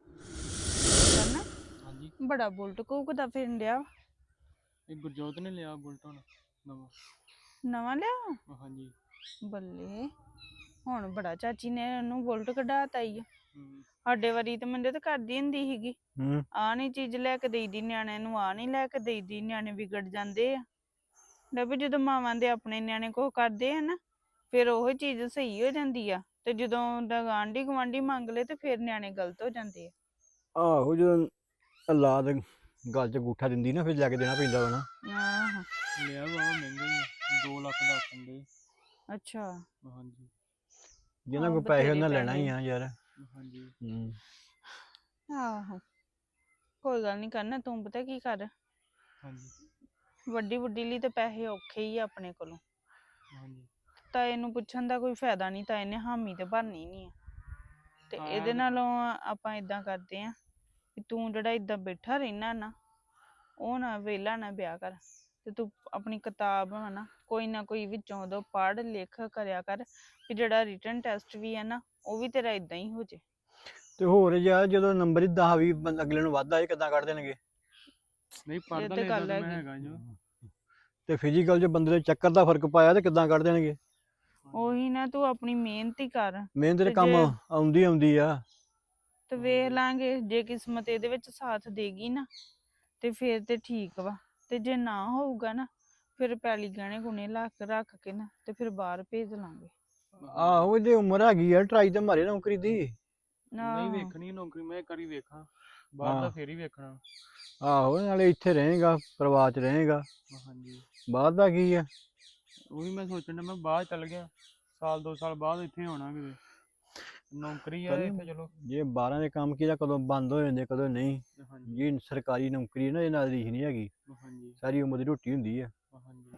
S1: ਹਾਂਜੀ
S5: ਬੜਾ ਬੁਲਟ ਘੂਕਦਾ ਫਿਰਨ ਡਿਆ।
S1: ਇਹ ਗੁਰਜੋਤ ਨੇ ਲਿਆ ਬੁਲਟ ਹੁਣ ਨਵਾਂ।
S5: ਨਵਾਂ ਲਿਆ?
S1: ਹਾਂਜੀ।
S5: ਬੱਲੇ, ਹੁਣ ਬੜਾ ਚਾਚੀ ਨੇ ਉਹਨੂੰ ਬੁਲਟ ਕਢਾਤਾ ਈ।
S1: ਹੂੰ
S5: ਸਾਡੇ ਵਾਰੀ ਤੇ ਮੰਦੇ ਤੇ ਕਰਦੀ ਹੁੰਦੀ ਸੀਗੀ,
S1: ਹੂੰ
S5: ਆ ਨੀ ਚੀਜ਼ ਲੈ ਕੇ ਦੇਈਦੀ ਨਿਆਣਿਆਂ ਨੂੰ, ਆ ਨੀ ਲੈ ਕੇ ਦੇਈਦੀ, ਨਿਆਣੇ ਵਿਗੜ ਜਾਂਦੇ ਆ। ਲੈ ਵੀ ਜਦੋਂ ਮਾਵਾਂ ਦੇ ਆਪਣੇ ਨਿਆਣੇ ਕੁਛ ਕਰਦੇ ਆ ਨਾ, ਫਿਰ ਉਹ ਚੀਜ਼ ਸਹੀ ਹੋ ਜਾਂਦੀ ਆ, ਤੇ ਜਦੋਂ ਆਂਢੀ ਗੁਆਂਢੀ ਮੰਗ ਲਏ ਤੇ ਫਿਰ ਨਿਆਣੇ ਗਲਤ ਹੋ ਜਾਂਦੇ ਆ।
S6: ਆਹੋ ਜਦੋਂ ਔਲਾਦ ਗੱਲ 'ਚ ਅੰਗੂਠਾ ਦਿੰਦੀ ਨਾ, ਫਿਰ ਲੈ ਕੇ ਦੇਣਾ ਪੈਂਦਾ ਵਾ ਨਾ।
S5: ਆਹੋ
S1: ਲਿਆ ਬਾਬਾ ਮਹਿੰਗਾ ਹੀ ਆ, ਦੋ ਲੱਖ ਦਾ ਆਖਣ ਦੇ।
S5: ਅੱਛਾ।
S1: ਹਾਂਜੀ
S6: ਜਿਹਨਾਂ
S5: ਆਹੋ,
S6: ਕੋਲ ਪੈਸੇ
S5: ਬਥੇਰੇ
S6: ਉਹਨਾਂ ਲੈਣਾ ਹੀ
S5: ਪੈਸੇ।
S6: ਆ ਯਾਰ।
S1: ਹਾਂਜੀ
S6: ਹੂੰ
S5: ਆਹੋ ਕੋਈ ਗੱਲ ਨੀ ਕਰਨਾ, ਤੂੰ ਪਤਾ ਕੀ ਕਰ,
S1: ਹਾਂਜੀ
S5: ਵੱਡੀ ਵੱਡੀ ਲਈ ਤੇ ਪੈਸੇ ਔਖੇ ਹੀ ਆ ਆਪਣੇ ਕੋਲੋਂ।
S1: ਹਾਂਜੀ
S5: ਤਾਏ ਨੂੰ ਪੁੱਛਣ ਦਾ ਕੋਈ ਫਾਇਦਾ ਨਹੀਂ, ਤਾਏ ਨੇ ਹਾਮੀ ਤੇ ਭਰਨੀ ਨਹੀਂ ਆ। ਤੇ
S1: ਹਾਂ।
S5: ਇਹਦੇ ਨਾਲੋਂ ਆਪਾਂ ਇਦਾਂ ਕਰਦੇ ਆ ਕਿ ਤੂੰ ਜਿਹੜਾ ਇਦਾਂ ਬੈਠਾ ਰਹਿਣਾ ਨਾ, ਉਹ ਨਾ ਵਿਹਲਾ ਨਾ ਵਿਆਹ ਕਰ, ਤੇ ਤੂੰ ਆਪਣੀ ਕਿਤਾਬ ਵਾ ਨਾ ਕੋਈ ਨਾ ਕੋਈ ਵਿੱਚੋਂ ਉਦੋਂ ਪੜ੍ਹ ਲਿਖ ਕਰਿਆ ਕਰ, ਕਿ ਜਿਹੜਾ ਰਿਟਨ ਟੈਸਟ ਵੀ ਹੈ ਨਾ ਉਹ ਵੀ ਤੇਰਾ ਇਦਾਂ ਹੀ ਹੋ ਜੇ।
S6: ਤੇ ਹੋਰ ਯਾਰ ਜਦੋਂ ਨੰਬਰ ਹੀ ਦਸ ਵੀਹ ਅਗਲੇ ਨੂੰ ਵੱਧ ਆਏ ਕਿੱਦਾਂ ਕੱਢ ਦੇਣਗੇ?
S1: ਨਹੀਂ
S5: ਇਹ
S1: ਪੜਦਾ
S5: ਤੇ
S1: ਲੈਦਾ
S5: ਗੱਲ
S1: ਤਾਂ ਮੈਂ
S5: ਹੈਗੀ।
S1: ਹੈਗਾ ਜੋ।
S6: ਤੇ ਫਿਜ਼ੀਕਲ 'ਚ ਬੰਦੇ ਦੇ ਚੱਕਰ ਦਾ ਫਰਕ ਪਾਇਆ ਤੇ ਕਿੱਦਾਂ ਕੱਢ ਦੇਣਗੇ?
S5: ਉਹੀ ਨਾ, ਤੂੰ ਆਪਣੀ ਮਿਹਨਤ ਹੀ ਕਰ
S6: ਮਿਹਨਤ ਦੇ
S5: ਤੇ
S6: ਕੰਮ
S5: ਜੇ-
S6: ਆਉਂਦੀ ਆਉਂਦੀ ਆ।
S5: ਤੇ ਵੇਖ ਲਾਂਗੇ, ਜੇ ਕਿਸਮਤ ਇਹਦੇ ਵਿੱਚ ਸਾਥ ਦੇਗੀ ਨਾ ਤੇ ਫੇਰ ਤੇ ਠੀਕ ਵਾ, ਤੇ ਜੇ ਨਾ ਹੋਊਗਾ ਨਾ ਫਿਰ ਪੈਲੀ ਗਹਿਣੇ ਗੁਣੇ ਲੱਖ ਰੱਖ ਕੇ ਨਾ ਤੇ ਫਿਰ ਬਾਹਰ ਭੇਜ ਲਾਂਗੇ।
S6: ਆਹੋ ਇਹਦੀ ਉਮਰ ਹੈਗੀ ਆ, ਟਰਾਈ ਤੇ ਮਾਰੇ ਨੌਕਰੀ ਦੀ।
S1: ਨਹੀਂ
S5: ਆਹੋ।
S1: ਵੇਖਣੀ ਨੌਕਰੀ, ਮੈਂ ਇੱਕ ਵਾਰੀ ਵੇਖਾਂ ਬਾਹਰ ਦਾ
S6: ਹਾਂ।
S1: ਫੇਰ ਹੀ ਵੇਖਣਾ।
S6: ਆਹੋ ਨਾਲੇ ਇੱਥੇ ਰਹੇਗਾ, ਪਰਿਵਾਰ 'ਚ ਰਹੇਗਾ,
S1: ਹਾਂਜੀ
S6: ਬਾਹਰ ਦਾ ਕੀ ਆ?
S1: ਉਹੀ ਮੈਂ ਸੋਚਣ ਡਿਆ, ਮੈਂ ਬਾਹਰ ਚੱਲ ਗਿਆ ਸਾਲ ਦੋ ਸਾਲ ਬਾਅਦ ਇੱਥੇ ਆਉਣਾ ਕਿਤੇ, ਨੌਕਰੀ ਆ ਇੱਥੇ ਚਲੋ।
S6: ਜੇ ਬਾਹਰਾਂ ਦੇ ਕੰਮ ਕੀ ਦਾ ਕਦੋਂ ਬੰਦ ਹੋ ਜਾਂਦੇ ਕਦੋਂ ਨਹੀਂ।
S1: ਹਾਂਜੀ
S6: ਜੀ ਸਰਕਾਰੀ ਨੌਕਰੀ ਹੈ ਨਾ, ਇਹ ਨਾਲ ਰੀਸ ਨਹੀਂ ਹੈਗੀ,
S1: ਹਾਂਜੀ
S6: ਸਾਰੀ ਉਮਰ ਦੀ ਰੋਟੀ ਹੁੰਦੀ ਆ।
S1: ਹਾਂਜੀ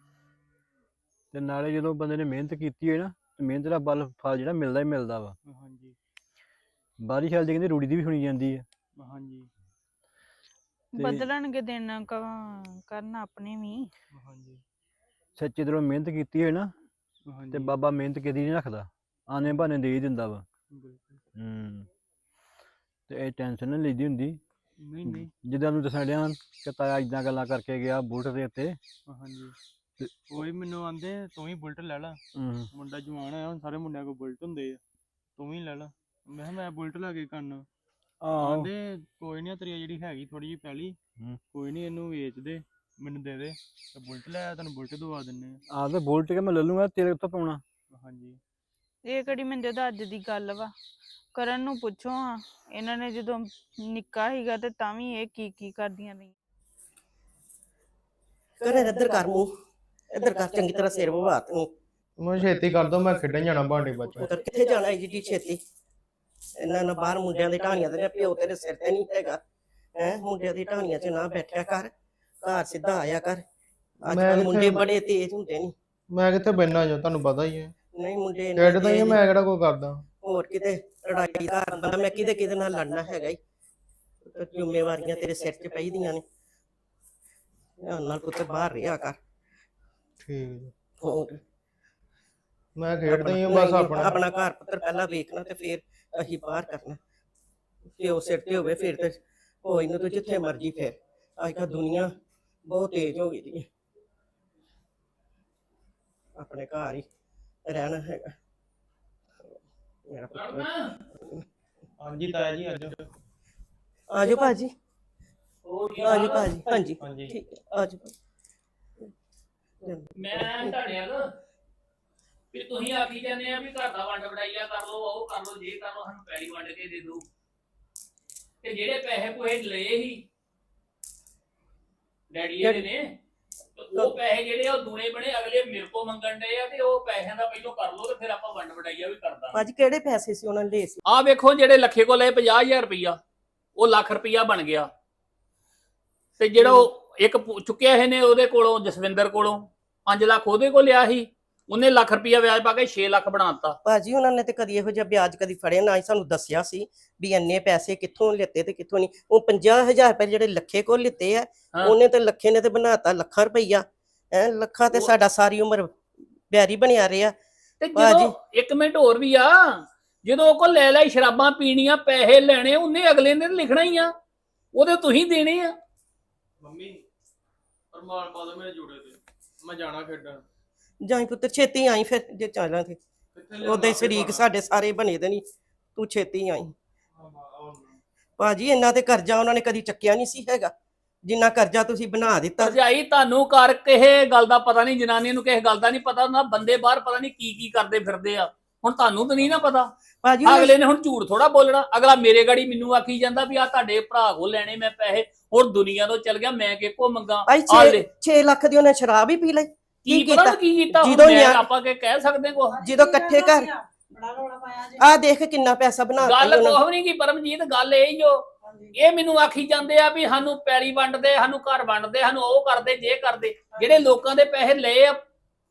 S6: ਤੇ ਨਾਲੇ ਜਦੋਂ ਬੰਦੇ ਨੇ ਮਿਹਨਤ ਕੀਤੀ ਹੋਏ ਨਾ ਤੇ ਮਿਹਨਤ ਦਾ ਬਲ ਫਲ ਜਿਹੜਾ ਮਿਲਦਾ ਹੀ ਮਿਲਦਾ ਵਾ।
S1: ਹਾਂਜੀ
S6: ਬਾਹਰੀ ਖਿਆਲ ਦੇ ਕਹਿੰਦੇ ਰੂੜੀ ਦੀ ਵੀ ਸੁਣੀ ਜਾਂਦੀ ਆ।
S1: ਹਾਂਜੀ
S6: ਤੇ-
S5: ਬਦਲਣਗੇ ਦਿਨ ਕ- ਕਰਨ ਆਪਣੇ ਵੀ।
S1: ਹਾਂਜੀ
S6: ਸੱਚੇ ਦਿਲੋਂ ਮਿਹਨਤ ਕੀਤੀ ਹੋਏ ਨਾ ਤੇ
S1: ਹਾਂਜੀ
S6: ਬਾਬਾ ਮਿਹਨਤ ਕਦੀ ਨਹੀਂ ਰੱਖਦਾ, ਆਨੇ ਬਹਾਨੇ ਦੇ ਹੀ ਦਿੰਦਾ ਵਾ।
S1: ਬਿਲਕੁਲ।
S6: ਹੂੰ ਤੇ ਇਹ ਟੈਨਸ਼ਨ ਨਹੀਂ ਲਈਦੀ ਹੁੰਦੀ।
S1: ਨਹੀਂ ਨਹੀਂ
S6: ਜਿੱਦਾਂ ਨੂੰ ਦੱਸਣ ਡਿਆ ਕਿ ਤਾਇਆ ਇਦਾਂ ਗੱਲਾਂ ਕਰਕੇ ਗਿਆ ਬੁਲਟ ਦੇ ਉੱਤੇ।
S1: ਹਾਂਜੀ
S6: ਤੇ-
S1: ਉਹੀ ਮੈਨੂੰ ਆਂਦੇ ਤੂੰ ਹੀ ਬੁਲਟ ਲੈ ਲਾ,
S6: ਹੂੰ
S1: ਮੁੰਡਾ ਜਵਾਨ ਆ, ਹੁਣ ਸਾਰੇ ਮੁੰਡਿਆਂ ਕੋਲ ਬੁਲਟ ਹੁੰਦੇ ਆ, ਤੂੰ ਵੀ ਲੈ ਲਾ। ਮੈਂ ਕਿਹਾ ਮੈਂ ਬੁਲਟ ਲੈ ਕੇ ਕਰਨਾ।
S6: ਆਹੋ
S1: ਆਂਦੇ ਕੋਈ ਨਹੀਂ, ਤੇਰੀ ਜਿਹੜੀ ਹੈਗੀ ਥੋੜੀ ਜਿਹੀ ਪਹਿਲੀ
S6: ਹੂੰ।
S1: ਕੋਈ ਨਹੀਂ ਇਹਨੂੰ ਵੇਚ ਦੇ, ਮੈਨੂੰ ਦੇ ਦੇ ਤੇ ਬੁਲਟ ਲੈ ਆ, ਤੈਨੂੰ ਬੁਲਟ ਦਵਾ ਦਿੰਨੇ ਆ।
S6: ਆਹ ਤੇ ਬੁਲਟ ਕੇ ਮੈਂ ਲੈ ਲੂੰਗਾ, ਤੇਰੇ ਉੱਤੇ ਪਾਉਣਾ।
S1: ਹਾਂਜੀ
S5: ਇਹ ਕਿਹੜੀ ਮੰਜੇ ਦਾ ਅੱਜ ਦੀ ਗੱਲ ਵਾ, ਕਰਨ ਨੂੰ ਪੁੱਛੋ ਹਾਂ, ਇਹਨਾਂ ਨੇ ਜਦੋਂ ਨਿੱਕਾ ਸੀਗਾ ਤੇ ਤਾਂ ਵੀ ਇਹ ਕੀ ਕੀ ਕਰਦੀਆਂ ਰਹੀਆਂ।
S7: ਕਰ ਇੱਧਰ ਕਰ ਮੂੰਹ, ਇੱਧਰ ਕਰ ਚੰਗੀ ਤਰ੍ਹਾਂ ਸਿਰ ਵਵਾ ਤੂੰ।
S1: ਮੈਂ ਛੇਤੀ ਕਰ ਦੋ, ਮੈਂ ਖੇਡਣ ਜਾਣਾ ਬਾਂਡੇ ਬੱਚਾ।
S7: ਪੁੱਤਰ ਕਿੱਥੇ ਜਾਣਾ ਏਡੀ ਜੀ ਛੇਤੀ? ਇਹਨਾਂ ਨਾ ਬਾਹਰ ਮੁੰਡਿਆਂ ਦੀ ਢਾਣੀਆਂ ਤੇ ਪਿਓ ਤੇਰੇ ਸਿਰ ਤੇ ਨਹੀਂ ਹੈਗਾ ਹੈ, ਮੁੰਡਿਆਂ ਦੀ ਢਾਣੀਆਂ 'ਚ ਨਾ ਬੈਠਿਆ ਕਰ, ਘਰ ਸਿੱਧਾ ਆਇਆ ਕਰ। ਅੱਜ
S1: ਮੈਂ
S7: ਕੱਲ
S1: ਕਿੱਥੇ-
S7: ਮੁੰਡੇ ਬੜੇ ਤੇਜ਼ ਹੁੰਦੇ ਨੇ।
S1: ਮੈਂ ਕਿੱਥੇ ਬੈਠਣਾ ਜੋ, ਤੁਹਾਨੂੰ ਪਤਾ ਹੀ ਹੈ।
S7: ਨਹੀਂ ਮੁੰਡੇ ਇੰਨੇ
S1: ਖੇਡਦਾ ਹੀ ਆ,
S7: ਤੇਜ਼
S1: ਮੈਂ ਕਿਹੜਾ ਕੋਈ ਕਰਦਾ।
S7: ਹੋਰ ਕਿਤੇ ਲੜਾਈ ਦਾ ਬੰਦਾ, ਮੈਂ ਕਿਹਦੇ ਕਿਹਦੇ ਨਾਲ ਲੜਨਾ ਹੈਗਾ ਹੀ। ਜ਼ਿੰਮੇਵਾਰੀਆਂ ਤੇਰੇ ਸਿਰ 'ਚ ਪਈਦੀਆਂ ਨੇ, ਧਿਆਨ ਨਾਲ ਪੁੱਤਰ ਬਾਹਰ ਰਿਹਾ ਕਰ।
S1: ਠੀਕ ਜੀ,
S7: ਹੋਰ
S1: ਮੈਂ ਖੇਡਦਾ ਹੀ ਆ
S7: ਆਪਣਾ-
S1: ਬਸ
S7: ਨਹੀਂ,
S1: ਆਪਣਾ।
S7: ਆਪਣਾ ਘਰ ਪੁੱਤਰ ਪਹਿਲਾਂ ਵੇਖਣਾ ਤੇ ਫਿਰ ਅਸੀਂ ਬਾਹਰ ਕਰਨਾ। ਪਿਓ ਸਿਰ ਤੇ ਹੋਵੇ ਫਿਰ ਤੇ ਹੋਈ ਨੂੰ ਤੂੰ ਜਿੱਥੇ ਮਰਜੀ ਫਿਰ। ਅੱਜ ਕੱਲ੍ਹ ਦੁਨੀਆ ਬਹੁਤ ਤੇਜ਼ ਹੋ ਗਈ ਦੀ ਹੈ, ਆਪਣੇ ਘਰ ਹੀ ਰਹਿਣਾ ਹੈਗਾ ਮੇਰਾ ਪੁੱਤਰ।
S1: ਹਾਂਜੀ ਤਾਇਆ ਜੀ ਅੱਜ
S7: ਆਜੋ ਭਾਜੀ, ਆਜੋ ਭਾਜੀ। ਹਾਂਜੀ
S1: ਹਾਂਜੀ
S7: ਠੀਕ ਹੈ, ਆਜੋ।
S2: ਮੈਂ ਤੁਹਾਡੇ ਨਾਲ ਵੀ ਤੁਸੀਂ ਆਖੀ ਜਾਂਦੇ ਆ ਵੀ ਘਰ ਦਾ ਵੰਡ ਵਡਾਈਆ ਕਰ ਲਓ, ਉਹ ਕਰ ਲਓ, ਜੇ ਕਰ ਲਓ, ਸਾਨੂੰ ਪੈਲੀ ਵੰਡ ਕੇ ਦੇ ਦਿਓ। ਤੇ ਜਿਹੜੇ ਪੈਸੇ ਪੂਸੇ ਲਏ ਸੀ ਡੈਡੀ ਇਹਦੇ ਨੇ, ਤੇ ਉਹ ਪੈਸੇ ਜਿਹੜੇ ਆ ਉਹ ਦੂਣੇ ਬਣੇ, ਅਗਲੇ ਮੇਰੇ ਕੋਲ ਮੰਗਣ ਡਏ ਆ, ਤੇ ਉਹ ਪੈਸਿਆਂ ਦਾ ਪਹਿਲੋਂ ਕਰ ਲਓ ਤੇ ਫਿਰ ਆਪਾਂ ਵੰਡ ਵਡਾਈਆ ਵੀ ਕਰ ਦਾਂਗੇ।
S7: ਭਾਜੀ ਕਿਹੜੇ ਪੈਸੇ ਸੀ ਉਹਨਾਂ ਨੇ ਲਏ ਸੀ?
S2: ਆਹ ਵੇਖੋ, ਜਿਹੜੇ ਲੱਖੇ ਕੋਲ ਲਏ ਪੰਜਾਹ ਹਜ਼ਾਰ ਰੁਪਈਆ, ਉਹ ਲੱਖ ਰੁਪਈਆ ਬਣ ਗਿਆ। ਤੇ ਜਿਹੜਾ ਉਹ ਇੱਕ ਪੁ- ਚੁੱਕਿਆ ਇਹਨੇ ਉਹਦੇ ਕੋਲੋਂ, ਜਸਵਿੰਦਰ ਕੋਲੋਂ ਪੰਜ ਲੱਖ ਉਹਦੇ ਕੋਲ ਲਿਆ ਸੀ, ਉਹਨੇ ਲੱਖ ਰੁਪਈਆ ਵਿਆਜ ਪਾ ਕੇ ਛੇ ਲੱਖ ਬਣਾਤਾ।
S7: ਭਾਜੀ ਉਹਨਾਂ ਨੇ ਤੇ ਕਦੀ ਇਹੋ ਜਿਹਾ ਵਿਆਜ ਕਦੀ ਫੜਿਆ ਨਾ ਹੀ ਸਾਨੂੰ ਦੱਸਿਆ ਸੀ ਵੀ ਇੰਨੇ ਪੈਸੇ ਕਿੱਥੋਂ ਲਿੱਤੇ ਤੇ ਕਿੱਥੋਂ ਨਹੀਂ। ਉਹ ਪੰਜਾਹ ਹਜ਼ਾਰ ਰੁਪਏ ਜਿਹੜੇ ਲੱਖੇ ਕੋਲ ਲਿੱਤੇ ਆ,
S2: ਹਾਂ।
S7: ਉਹਨੇ ਤੇ ਲੱਖੇ ਨੇ ਤੇ ਬਣਾਤਾ ਲੱਖਾਂ ਰੁਪਈਆ। ਹੈ ਲੱਖਾਂ ਤੇ
S2: ਉਹ-
S7: ਸਾਡਾ ਸਾਰੀ ਉਮਰ ਬਿਆਰੀ ਬਣਿਆ ਰਿਹਾ।
S2: ਤੇ
S7: ਭਾਜੀ।
S2: ਜਦੋਂ ਇੱਕ ਮਿੰਟ ਹੋਰ ਵੀ ਆ, ਜਦੋਂ ਉਹ ਕੋਲ ਲੈ ਲੈ ਸ਼ਰਾਬਾਂ ਪੀਣੀਆਂ, ਪੈਸੇ ਲੈਣੇ, ਉਹਨੇ ਅਗਲੇ ਨੇ ਲਿਖਣਾ ਹੀ ਆ, ਉਹਦੇ ਤੁਸੀਂ ਦੇਣੇ ਆ।
S1: ਮੰਮੀ ਪਰਮਾਰ ਪਾ ਦੋ ਮੇਰੇ ਜੋੜੇ ਤੇ, ਮੈਂ ਜਾਣਾ ਖੇਡਣ।
S7: ਜਾਈ ਪੁੱਤਰ ਛੇਤੀ ਆਈ ਫਿਰ ਜੇ ਚੱਲਾਂ ਤੇ। ਉਹਦੇ ਸ਼ਰੀਕ ਸਾਡੇ ਸਾਰੇ ਬਣੇ ਦੇ ਨਹੀਂ, ਤੂੰ ਛੇਤੀ ਆਈ। ਭਾਜੀ ਇੰਨਾ ਤੇ ਕਰਜ਼ਾ ਉਹਨਾਂ ਨੇ ਕਦੀ ਚੱਕਿਆ ਨਹੀਂ ਸੀ ਹੈਗਾ ਜਿੰਨਾ ਕਰਜ਼ਾ ਤੁਸੀਂ ਬਣਾ ਦਿੱਤਾ।
S2: ਭਰਜਾਈ ਤੁਹਾਨੂੰ ਕਰ ਕਿਸੇ ਗੱਲ ਦਾ ਪਤਾ ਨਹੀਂ, ਜਨਾਨੀ ਨੂੰ ਕਿਸੇ ਗੱਲ ਦਾ ਨਹੀਂ ਪਤਾ ਹੁੰਦਾ, ਬੰਦੇ ਬਾਹਰ ਪਤਾ ਨਹੀਂ ਕੀ ਕੀ ਕਰਦੇ ਫਿਰਦੇ ਆ। ਹੁਣ ਤੁਹਾਨੂੰ ਤਾਂ ਨਹੀਂ ਨਾ ਪਤਾ।
S7: ਭਾਜੀ ਉਹਨੇ-
S2: ਅਗਲੇ ਨੇ ਹੁਣ ਝੂਠ ਥੋੜਾ ਬੋਲਣਾ, ਅਗਲਾ ਮੇਰੇ ਗਾੜੀ ਮੈਨੂੰ ਆਖੀ ਜਾਂਦਾ ਵੀ ਆ ਤੁਹਾਡੇ ਭਰਾ ਕੋਲ ਲੈਣੇ ਮੈਂ ਪੈਸੇ, ਹੁਣ ਦੁਨੀਆ ਤੋਂ ਚਲ ਗਿਆ, ਮੈਂ ਕਿਹਕੋ ਮੰਗਾ।
S7: ਭਾਈ
S2: ਆ ਲੈ,
S7: ਛੇ ਲੱਖ ਦੀ ਉਹਨੇ ਸ਼ਰਾਬ ਹੀ ਪੀ ਲਈ।
S2: ਕੀ
S7: ਕੀ
S2: ਪਤਾ
S7: ਕੀਤਾ?
S2: ਕੀ ਕੀਤਾ, ਹੁਣ
S7: ਜਦੋਂ
S2: ਮੈਂ
S7: ਨਿਆ-
S2: ਆਪਾਂ ਕੇ ਕਹਿ ਸਕਦੇ ਕੋ।
S7: ਜਦੋਂ ਇਕੱਠੇ ਘਰ
S4: ਬੜਾ ਰੌਲਾ ਪਾਇਆ ਜੇ।
S7: ਆ ਦੇਖ ਕਿੰਨਾ ਪੈਸਾ ਬਣਾ
S2: ਗੱਲ
S7: ਦਿੱਤਾ ਉਹਨਾਂ
S2: ਕੋਹ ਨਹੀਂ ਕੀ ਪਰਮਜੀਤ, ਗੱਲ ਇਹ ਹੀ ਓ, ਇਹ ਮੈਨੂੰ ਆਖੀ ਜਾਂਦੇ ਆ ਵੀ ਸਾਨੂੰ ਪੈਲੀ ਵੰਡਦੇ, ਸਾਨੂੰ ਘਰ ਵੰਡਦੇ, ਸਾਨੂੰ ਉਹ ਕਰਦੇ ਜੇ ਕਰਦੇ। ਜਿਹੜੇ ਲੋਕਾਂ ਦੇ ਪੈਸੇ ਲਏ ਆ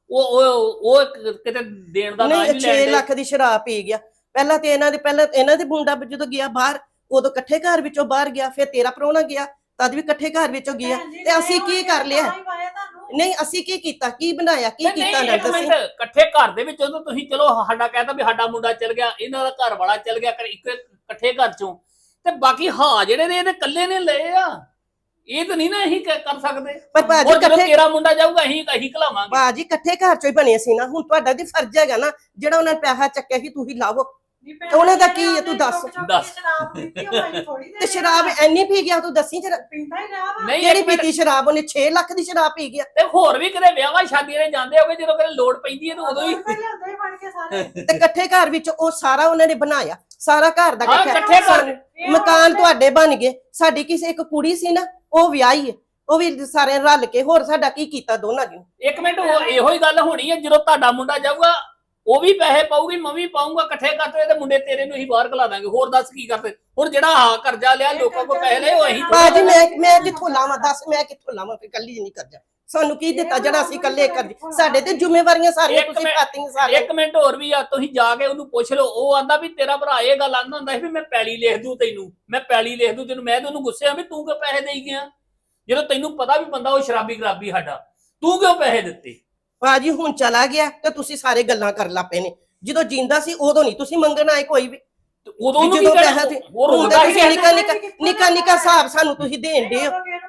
S2: ਉਹ ਉਹ ਉਹ ਇੱਕ ਕਿਤੇ ਦੇਣ ਦਾ ਨਾਂ
S7: ਨਹੀਂ
S2: ਨਹੀਂ
S7: ਛੇ
S2: ਲੈਂਦੇ।
S7: ਲੱਖ ਦੀ ਸ਼ਰਾਬ ਪੀ ਗਿਆ। ਪਹਿਲਾਂ ਤੇ ਇਹਨਾਂ ਦੇ ਪਹਿਲਾਂ ਇਹਨਾਂ ਦੇ ਮੁੰਡਾ ਜਦੋਂ ਗਿਆ ਬਾਹਰ ਉਦੋਂ ਇਕੱਠੇ ਘਰ ਵਿੱਚੋਂ ਬਾਹਰ ਗਿਆ, ਫਿਰ ਤੇਰਾ ਪ੍ਰਾਹੁਣਾ ਗਿਆ ਤਦ ਵੀ ਇਕੱਠੇ ਘਰ ਵਿੱਚੋਂ ਗਿਆ। ਤੇ ਅਸੀਂ ਕੀ ਕਰ ਲਿਆ? ਨਹੀਂ ਅਸੀਂ ਕੀ ਕੀਤਾ, ਕੀ ਬਣਾਇਆ, ਕੀ
S2: ਨਹੀਂ,
S7: ਕੀਤਾ
S2: ਨਹੀਂ,
S7: ਨਾ
S2: ਇੱਕ
S7: ਦੱਸੀ।
S2: ਮਿੰਟ, ਇਕੱਠੇ ਘਰ ਦੇ ਵਿੱਚ ਉਦੋਂ ਤੁਸੀਂ ਚਲੋ ਸਾਡਾ ਕਹਿਤਾ ਵੀ ਸਾਡਾ ਮੁੰਡਾ ਚਲ ਗਿਆ, ਇਹਨਾਂ ਦਾ ਘਰ ਵਾਲਾ ਚਲ ਗਿਆ, ਕਰ ਇੱਕ ਇਕੱਠੇ ਘਰ ਚੋਂ, ਤੇ ਬਾਕੀ ਹਾਂ ਜਿਹੜੇ ਨੇ ਇਹਦੇ ਇਕੱਲੇ ਨੇ ਲਏ ਆ, ਇਹ ਤਾਂ ਨਹੀਂ ਨਾ ਅਸੀਂ ਕ- ਕਰ ਸਕਦੇ।
S7: ਪਰ ਭਾਜੀ
S2: ਹੋਰ ਜਦੋਂ
S7: ਇਕੱਠੇ
S2: ਤੇਰਾ ਮੁੰਡਾ ਜਾਊਗਾ ਅਸੀਂ ਅਸੀਂ ਘਲਾਵਾਂਗੇ।
S7: ਭਾਜੀ ਇਕੱਠੇ ਘਰ ਚੋਂ ਹੀ ਬਣੇ ਸੀ ਨਾ। ਹੁਣ ਤੁਹਾਡਾ ਵੀ ਫਰਜ਼ ਹੈਗਾ ਨਾ, ਜਿਹੜਾ ਉਹਨਾਂ ਨੇ ਪੈਸਾ ਚੱਕਿਆ ਸੀ ਤੁਸੀਂ ਲਾਵੋ। ਉਹਨੇ ਦਾ ਕੀ ਹੈ ਤੂੰ ਦੱਸ।
S2: ਦੱਸ।
S7: ਤੇ ਸ਼ਰਾਬ ਐਨੀ ਪੀ ਗਿਆ ਤੂੰ ਦੱਸੀ ਜਰਾ,
S2: ਨਹੀਂ
S7: ਕਿਹੜੀ
S2: ਇੱਕ ਮਿੰਟ,
S7: ਪੀਤੀ ਸ਼ਰਾਬ? ਉਹਨੇ ਛੇ ਲੱਖ ਦੀ ਸ਼ਰਾਬ ਪੀ ਗਿਆ।
S2: ਤੇ ਹੋਰ ਵੀ ਕਿਤੇ ਵਿਆਹਾਂ ਸ਼ਾਦੀਆਂ ਦੇ ਜਾਂਦੇ ਹੋਗੇ, ਜਦੋਂ ਕਿਤੇ ਲੋੜ ਪੈਂਦੀ ਹੈ ਤਾਂ ਉਦੋਂ ਹੀ
S7: ਤੇ ਇਕੱਠੇ ਘਰ ਵਿੱਚ ਉਹ ਸਾਰਾ ਉਹਨਾਂ ਨੇ ਬਣਾਇਆ, ਸਾਰਾ ਘਰ ਦਾ
S2: ਹਾਂ, ਇਕੱਠੇ ਘਰ।
S7: ਸਾਨੂੰ- ਮਕਾਨ ਤੁਹਾਡੇ ਬਣ ਗਏ। ਸਾਡੀ ਕਿਸੇ ਇੱਕ ਕੁੜੀ ਸੀ ਨਾ, ਉਹ ਵਿਆਹੀ ਹੈ, ਉਹ ਵੀ ਸਾਰੇ ਰਲ ਕੇ। ਹੋਰ ਸਾਡਾ ਕੀ ਕੀਤਾ ਦੋਨਾਂ ਨੇ?
S2: ਇੱਕ ਮਿੰਟ, ਉਹ ਇਹੋ ਹੀ ਗੱਲ ਹੋਣੀ ਹੈ ਜਦੋਂ ਤੁਹਾਡਾ ਮੁੰਡਾ ਜਾਊਗਾ ਉਹ ਵੀ ਪੈਸੇ ਪਾਊਗੀ, ਮੈਂ ਵੀ ਪਾਊਂਗਾ, ਇਕੱਠੇ ਕਰਦੇ ਤੇ ਮੁੰਡੇ ਤੇਰੇ ਨੂੰ ਹੀ ਬਾਹਰ ਘਲਾ ਦਾਂਗੇ। ਹੋਰ ਦੱਸ ਕੀ ਕਰਦੇ? ਹੁਣ ਜਿਹੜਾ ਹਾਂ ਕਰਜ਼ਾ ਲਿਆ ਲੋਕਾਂ ਕੋਲ ਪੈਸੇ ਲਏ ਉਹ ਅਸੀਂ
S7: ਬਾਜੀ ਮੈਂ ਮੈਂ ਕਿੱਥੋਂ ਲਾਵਾਂ ਦੱਸ, ਮੈਂ ਕਿੱਥੋਂ ਲਾਵਾਂ? ਫਿਰ ਕੱਲੀ ਨਹੀਂ ਕਰਜਾ ਸਾਨੂੰ ਕੀ ਦਿੱਤਾ ਜਿਹੜਾ ਅਸੀਂ ਇਕੱਲੇ ਕਰਦੇ? ਸਾਡੇ ਤੇ ਜ਼ਿੰਮੇਵਾਰੀਆਂ ਸਾਰੀਆਂ
S2: ਇੱਕ
S7: ਤੁਸੀਂ
S2: ਮਿੰਟ-
S7: ਪਾਤੀਆਂ ਸਾਰੀਆਂ।
S2: ਇੱਕ ਮਿੰਟ ਹੋਰ ਵੀ ਆ, ਤੁਸੀਂ ਜਾ ਕੇ ਉਹਨੂੰ ਪੁੱਛ ਲਓ। ਉਹ ਆਂਦਾ ਵੀ ਤੇਰਾ ਭਰਾ ਇਹ ਗੱਲ ਆਂਦਾ ਹੁੰਦਾ ਸੀ ਵੀ ਮੈਂ ਪੈਲੀ ਲਿਖ ਦੂੰ ਤੈਨੂੰ, ਮੈਂ ਪੈਲੀ ਲਿਖ ਦੂੰ ਤੈਨੂੰ। ਮੈਂ ਤੇ ਉਹਨੂੰ ਗੁੱਸੇ ਆ ਵੀ ਤੂੰ ਕਿਉਂ ਪੈਸੇ ਦੇਈ ਗਿਆ, ਜਦੋਂ ਤੈਨੂੰ ਪਤਾ ਵੀ ਬੰਦਾ ਉਹ ਸ਼ਰਾਬੀ ਖਰਾਬੀ ਸਾਡਾ, ਤੂੰ ਕਿਉਂ ਪੈਸੇ ਦਿੱਤੇ?
S7: ਬਾਜੀ ਹੁਣ ਚਲਾ ਗਿਆ ਤੇ ਤੁਸੀਂ ਸਾਰੇ ਗੱਲਾਂ ਕਰ ਲੱਪੇ ਨੇ। ਜਦੋਂ ਜਿੰਦਾ ਸੀ ਉਦੋਂ ਨਹੀਂ ਤੁਸੀਂ ਮੰਗਣ ਆਏ ਕੋਈ ਵੀ।
S2: ਤੇ ਉਦੋਂ ਉਹਨੂੰ ਕੀ
S7: ਜਦੋਂ
S2: ਕਹਿਣਾ?
S7: ਪੈਸਾ ਤੇ
S2: ਉਹ
S7: ਹੁਣ
S2: ਰੋਂਦਾ
S7: ਤਾਂ
S2: ਹੀ
S7: ਤੁਸੀਂ ਨਿੱਕਾ ਨਿੱਕਾ
S4: ਕਿੱਥੋਂ
S7: ਨਿੱਕਾ ਨਿੱਕਾ ਹਿਸਾਬ ਸਾਨੂੰ ਤੁਸੀਂ ਦੇਣ ਦੇ ਹੋ।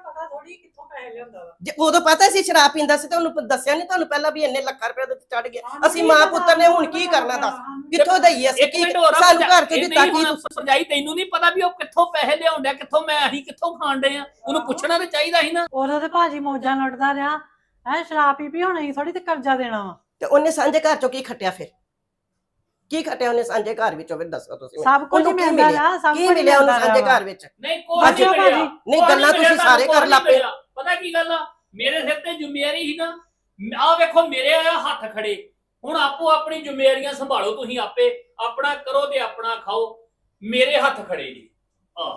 S7: ਜੇ ਉਦੋਂ ਪਤਾ ਸੀ ਸ਼ਰਾਬ ਪੀਂਦਾ ਸੀ ਤੇ ਉਹਨੂੰ ਦੱਸਿਆ ਨਹੀਂ ਤੁਹਾਨੂੰ ਪਹਿਲਾਂ ਵੀ ਇੰਨੇ ਲੱਖਾਂ ਰੁਪਏ ਦੇ ਚੜ ਗਿਆ? ਅਸੀਂ ਮਾਂ ਪੁੱਤਰ ਨੇ ਹੁਣ ਕੀ ਕਰਨਾ ਦੱਸ? ਕਿੱਥੋਂ ਦਈਏ ਅਸੀਂ?
S2: ਇੱਕ
S7: ਕੀ
S2: ਮਿੰਟ ਹੋਰ ਆ,
S7: ਸਾਨੂੰ ਘਰ ਚੋਂ
S2: ਇਹ
S7: ਦਿੱਤਾ
S2: ਨਹੀਂ
S7: ਕੀ?
S2: ਹੁਣ ਭਰਜਾਈ ਤੈਨੂੰ ਨਹੀਂ ਪਤਾ ਵੀ ਉਹ ਕਿੱਥੋਂ ਪੈਸੇ ਲਿਆਉਣ ਡਿਆ, ਕਿੱਥੋਂ ਮੈਂ ਅਸੀਂ ਕਿੱਥੋਂ ਖਾਣ ਡੇ ਆ? ਉਹਨੂੰ ਪੁੱਛਣਾ ਤੇ ਚਾਹੀਦਾ ਸੀ ਨਾ।
S8: ਉਦੋਂ ਤੇ ਭਾਜੀ ਮੌਜਾਂ ਲੁੱਟਦਾ ਰਿਹਾ ਹੈ, ਸ਼ਰਾਬ ਪੀ ਪੀ ਹੁਣ ਅਸੀਂ ਥੋੜੀ ਤੇ ਕਰਜ਼ਾ ਦੇਣਾ ਵਾ।
S7: ਤੇ ਉਹਨੇ ਸਾਂਝੇ ਘਰ ਚੋਂ ਕੀ ਖੱਟਿਆ? ਫਿਰ ਕੀ ਖੱਟਿਆ ਉਹਨੇ ਸਾਂਝੇ ਘਰ ਵਿੱਚੋਂ? ਫਿਰ ਦੱਸੋ ਤੁਸੀਂ ਮੈਨੂੰ।
S8: ਸਭ ਕੁਝ
S7: ਉਹਨੂੰ ਕੀ
S8: ਮਿਲਦਾ
S7: ਮਿਲਿਆ?
S8: ਰਿਹਾ, ਸਭ
S7: ਕੀ
S8: ਕੁਝ
S7: ਮਿਲਿਆ ਉਹਨੂੰ
S8: ਮਿਲਦਾ
S7: ਸਾਂਝੇ
S8: ਰਿਹਾ
S7: ਘਰ ਵਿੱਚ?
S2: ਨਹੀਂ ਕੋਈ
S8: ਬਾਜੀ
S2: ਨਹੀਂ ਮਿਲਿਆ।
S7: ਨਹੀਂ
S2: ਕੋਈ
S7: ਗੱਲਾਂ
S2: ਮਿਲਿਆ,
S7: ਤੁਸੀਂ ਸਾਰੇ
S2: ਕੋਈ
S7: ਕਰ
S2: ਨਹੀਂ
S7: ਲੱਪੇ।
S2: ਮਿਲਿਆ। ਪਤਾ ਕੀ ਗੱਲ ਆ, ਮੇਰੇ ਸਿਰ ਤੇ ਜ਼ਿੰਮੇਵਾਰੀ ਸੀ ਨਾ। ਆਹ ਵੇਖੋ ਮੇਰੇ ਆ ਹੱਥ ਖੜੇ। ਹੁਣ ਆਪੋ ਆਪਣੀ ਜ਼ਿੰਮੇਵਾਰੀਆਂ ਸੰਭਾਲੋ, ਤੁਸੀਂ ਆਪੇ ਆਪਣਾ ਕਰੋ ਤੇ ਆਪਣਾ ਖਾਓ। ਮੇਰੇ ਹੱਥ ਖੜੇ ਜੀ। ਆ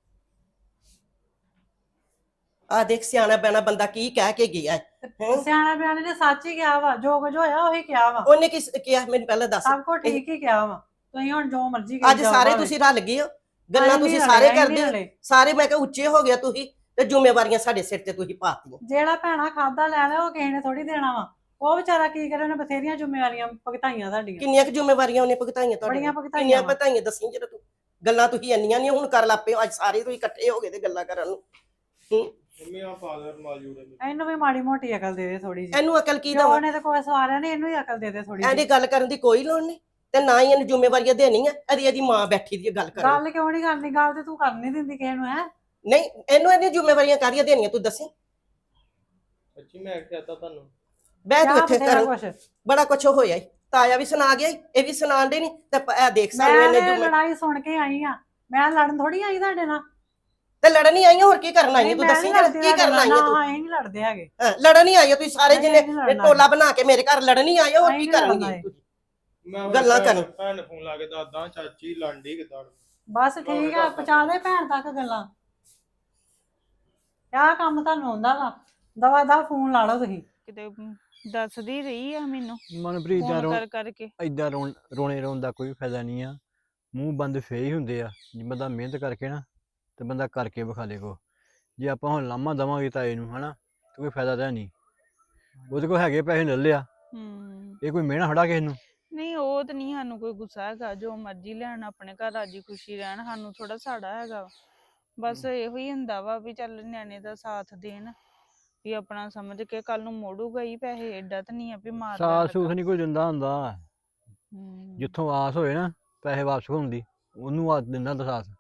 S7: ਆ ਦੇਖ ਸਿਆਣਾ ਬੈਣਾ ਬੰਦਾ ਕੀ ਕਹਿ ਕੇ ਗਿਆ ਹੈ। ਹੈਂ?
S8: ਸਿਆਣਾ ਬਿਆਣੇ ਨੇ ਸੱਚ ਹੀ ਕਿਹਾ ਵਾ, ਜੋ ਕੁਝ ਹੋਇਆ ਉਹੀ ਕਿਹਾ ਵਾ,
S7: ਉਹਨੇ ਕੀ ਕਿਹਾ ਮੈਨੂੰ ਪਹਿਲਾਂ ਦੱਸ।
S8: ਸਭ ਕੁਝ ਠੀਕ ਹੀ ਕਿਹਾ ਵਾ। ਤੁਸੀਂ ਹੁਣ ਜੋ ਮਰਜ਼ੀ ਕਰੀ
S7: ਅੱਜ
S8: ਜਾਓ
S7: ਸਾਰੇ
S8: ਭਾਵੇਂ।
S7: ਤੁਸੀਂ ਰਲ ਗਏ ਹੋ, ਗੱਲਾਂ
S8: ਅਸੀਂ
S7: ਤੁਸੀਂ
S8: ਨਹੀਂ
S7: ਸਾਰੇ
S8: ਰਲੇ, ਅਸੀਂ
S7: ਕਰਦੇ
S8: ਨਹੀਂ
S7: ਹੋ
S8: ਰਲੇ।
S7: ਸਾਰੇ। ਮੈਂ ਕਿਹਾ ਉੱਚੇ ਹੋ ਗਿਆ ਤੁਸੀਂ ਤੇ ਜ਼ਿੰਮੇਵਾਰੀਆਂ ਸਾਡੇ ਸਿਰ ਤੇ ਤੁਸੀਂ ਪਾਤੀਆਂ।
S8: ਜਿਹੜਾ ਭੈਣਾ ਖਾਦਾ ਲੈ ਲਿਆ ਉਹ ਕਿਸੇ ਨੇ ਥੋੜੀ ਦੇਣਾ ਵਾ। ਉਹ ਵਿਚਾਰਾ ਕੀ ਕਰੇ, ਉਹਨੇ ਬਥੇਰੀਆਂ ਜ਼ਿੰਮੇਵਾਰੀਆਂ ਭੁਗਤਾਈਆਂ ਸਾਡੀਆਂ,
S7: ਕਿੰਨੀਆਂ ਕੁ ਜ਼ਿੰਮੇਵਾਰੀਆਂ ਉਹਨੇ ਭੁਗਤਾਈਆਂ
S8: ਬੜੀਆਂ
S7: ਤੁਹਾਡੀਆਂ?
S8: ਭੁਗਤਾਈਆਂ
S7: ਕਿੰਨੀਆਂ
S8: ਵਾ।
S7: ਭੁਗਤਾਈਆਂ ਦੱਸੀ ਜਰਾ ਤੂੰ। ਗੱਲਾਂ ਤੁਸੀਂ ਇੰਨੀਆਂ ਨਹੀਂ ਹੁਣ ਕਰ ਲੱਪੇ ਹੋ। ਅੱਜ ਸਾਰੇ ਤੁਸੀਂ ਇਕੱਠੇ ਹੋ ਗਏ ਤੇ ਗੱਲਾਂ ਕਰਨ ਨੂੰ। ਹੂੰ,
S1: ਮੰਮੀ ਆ ਫਾਦਰ ਮਾਜੂੜੇ
S8: ਇਹਨੂੰ ਵੀ ਮਾੜੀ ਮੋਟੀ ਅਕਲ ਦੇ ਦੇ ਥੋੜੀ ਜਿਹੀ।
S7: ਇਹਨੂੰ ਅਕਲ ਕੀ
S8: ਜੋ
S7: ਦਵਾਂ?
S8: ਉਹਨੇ ਤੇ ਕੋਈ ਸਵਾਰਿਆ ਨਹੀਂ, ਇਹਨੂੰ ਹੀ ਅਕਲ ਦੇ ਦੇ ਥੋੜੀ
S7: ਇਹਦੀ
S8: ਜਿਹੀ।
S7: ਗੱਲ ਕਰਨ ਦੀ ਕੋਈ ਲੋੜ ਨਹੀਂ ਤੇ ਨਾ ਹੀ ਇਹਨੂੰ ਜ਼ਿੰਮੇਵਾਰੀਆਂ ਦੇਣੀਆਂ। ਇਹਦੀ ਇਹਦੀ ਮਾਂ ਬੈਠੀ ਦੀ ਗੱਲ ਕਰਨ।
S8: ਗੱਲ ਕਿਉਂ ਨਹੀਂ ਕਰਨੀ? ਗੱਲ ਤੇ ਤੂੰ ਕਰ ਨਹੀਂ ਦਿੰਦੀ ਕਿਸੇ ਨੂੰ, ਹੈ
S7: ਨਹੀਂ ਇਹਨੂੰ ਇਹਦੀਆਂ ਜ਼ਿੰਮੇਵਾਰੀਆਂ ਕਾਹਦੀਆਂ ਦੇਣੀਆਂ ਤੂੰ ਦੱਸੀ?
S1: ਸੱਚੀ ਮੈਂ ਕਹਤਾ ਤੁਹਾਨੂੰ।
S7: ਬਹਿ ਤੂੰ ਇੱਥੇ
S8: ਬਥੇਰਾ
S7: ਕਰਨ।
S8: ਕੁਛ।
S7: ਬੜਾ ਕੁਛ ਹੋਇਆ ਈ। ਤਾਇਆ ਵੀ ਸੁਣਾ ਗਿਆ ਈ, ਇਹ ਵੀ ਸੁਣਾਉਂਦੇ ਨਹੀਂ ਤੇ ਪ- ਇਹ ਦੇਖ ਸਾਨੂੰ
S8: ਮੈਂ
S7: ਇਹਨੇ
S8: ਤੇ
S7: ਜ਼ਿੰਮੇ
S8: ਲੜਾਈ ਸੁਣ ਕੇ ਆਈ ਆ, ਮੈਂ ਲੜਨ ਥੋੜੀ ਆਈ ਤੁਹਾਡੇ ਨਾਲ।
S7: ਤੇ ਲੜਨ ਹੀ ਆਈਆਂ, ਹੋਰ ਕੀ ਕਰਨ ਆਈਆਂ
S8: ਨਹੀਂ,
S7: ਤੂੰ
S8: ਮੈਂ
S7: ਦੱਸੀ
S8: ਨੀ
S7: ਜਰਾ
S8: ਲੜਦੀ
S7: ਕੀ ਕਰਨ
S8: ਤੁਹਾਡੇ
S7: ਆਈਆਂ
S8: ਨਾਲ,
S7: ਤੂੰ?
S8: ਨਾ, ਅਸੀਂ ਨਹੀਂ ਲੜਦੇ ਹੈਗੇ।
S7: ਹਾਂ, ਲੜਨ ਹੀ ਆਈਆਂ ਤੁਸੀਂ ਸਾਰੇ
S8: ਨਹੀਂ,
S7: ਜਿਹਨੇ
S8: ਨਹੀਂ ਲੜਨਾ।
S7: ਟੋਲਾ ਬਣਾ ਕੇ ਮੇਰੇ ਘਰ ਲੜਨ ਹੀ ਆਏ ਹੋ, ਹੋਰ
S8: ਨਹੀਂ
S7: ਕੀ
S8: ਲੜਨਾ
S7: ਕਰਨਗੇ
S8: ਏ।
S7: ਤੁਸੀਂ?
S1: ਮੈਂ ਹੁਣ
S7: ਗੱਲਾਂ
S1: ਭੈਣ-
S7: ਕਰਨ।
S1: ਭੈਣ ਨੂੰ ਫੋਨ ਲਾ ਕੇ ਦੱਸਦਾ ਚਾਚੀ ਲਾਂਡੀ ਕਿਦਾਂ।
S8: ਬਸ ਠੀਕ ਆ, ਪਹੁੰਚਾ ਦੇ ਭੈਣ ਤੱਕ ਗੱਲਾਂ। ਆਹ ਕੰਮ ਤੁਹਾਨੂੰ ਆਉਂਦਾ ਵਾ, ਦਵਾ ਦਾ ਫੋਨ ਲਾ ਲਓ ਤੁਸੀਂ।
S9: ਕਿਤੇ ਦੱਸਦੀ ਰਹੀ ਆ ਮੈਨੂੰ
S6: ਮਨਪ੍ਰੀਤ ਦਾ
S9: ਫੋਨ
S6: ਰੋ
S9: ਕਰ ਕਰਕੇ।
S6: ਏਦਾਂ ਰੋਣ ਰੋਣੇ ਰੋਣ ਦਾ ਕੋਈ ਫਾਇਦਾ ਨਹੀਂ ਆ। ਮੂੰਹ ਬੰਦ ਫੇਰ ਹੀ ਹੁੰਦੇ ਆ। ਜੇ ਬੰਦਾ ਮਿਹਨਤ ਕਰਕੇ ਨਾ ਤੇ ਬੰਦਾ ਕਰਕੇ ਵਿਖਾ ਲੇ ਕੋ। ਜੇ ਆਪਾਂ ਹੁਣ ਲਾਮਾ ਦੇਵਾਂਗੇ ਤਾਏ ਨੂੰ ਹਨਾ ਤੇ ਕੋਈ ਫਾਇਦਾ ਤਾਂ ਨਹੀਂ। ਉਹਦੇ ਕੋਲ ਹੈਗੇ ਪੈਸੇ ਲੈ ਲਿਆ,
S9: ਹੂੰ
S6: ਇਹ ਕੋਈ ਮਿਹਣਾ ਖੜਾ ਕਿਸੇ ਨੂੰ।
S9: ਨਹੀਂ ਉਹ ਤਾਂ ਨਹੀਂ ਸਾਨੂੰ ਕੋਈ ਗੁੱਸਾ ਹੈਗਾ, ਜੋ ਮਰਜ਼ੀ ਲੈਣ ਆਪਣੇ ਘਰ ਰਾਜੀ ਖੁਸ਼ੀ ਰਹਿਣ, ਸਾਨੂੰ ਥੋੜਾ ਸਾੜਾ ਹੈਗਾ ਵਾ। ਬਸ ਇਹੋ ਹੀ ਹੁੰਦਾ ਵਾ ਵੀ ਚੱਲ ਨਿਆਣੇ ਦਾ ਸਾਥ ਦੇਣ, ਵੀ ਆਪਣਾ ਸਮਝ ਕੇ ਕੱਲ ਨੂੰ ਮੋੜੂਗਾ ਹੀ ਪੈਸੇ। ਏਡਾ ਤਾਂ ਨਹੀਂ ਆ ਵੀ ਮਾਰ
S6: ਸਾਥ ਸੂਥ ਨਹੀਂ ਕੋਈ ਦਿੰਦਾ ਹੁੰਦਾ।
S9: ਹੂੰ
S6: ਜਿੱਥੋਂ ਆਸ ਹੋਏ ਨਾ ਪੈਸੇ ਵਾਪਸ ਹੋਣ ਦੀ, ਉਹਨੂੰ ਆ ਦਿੰਦਾ ਹੁੰਦਾ ਸਾਥ।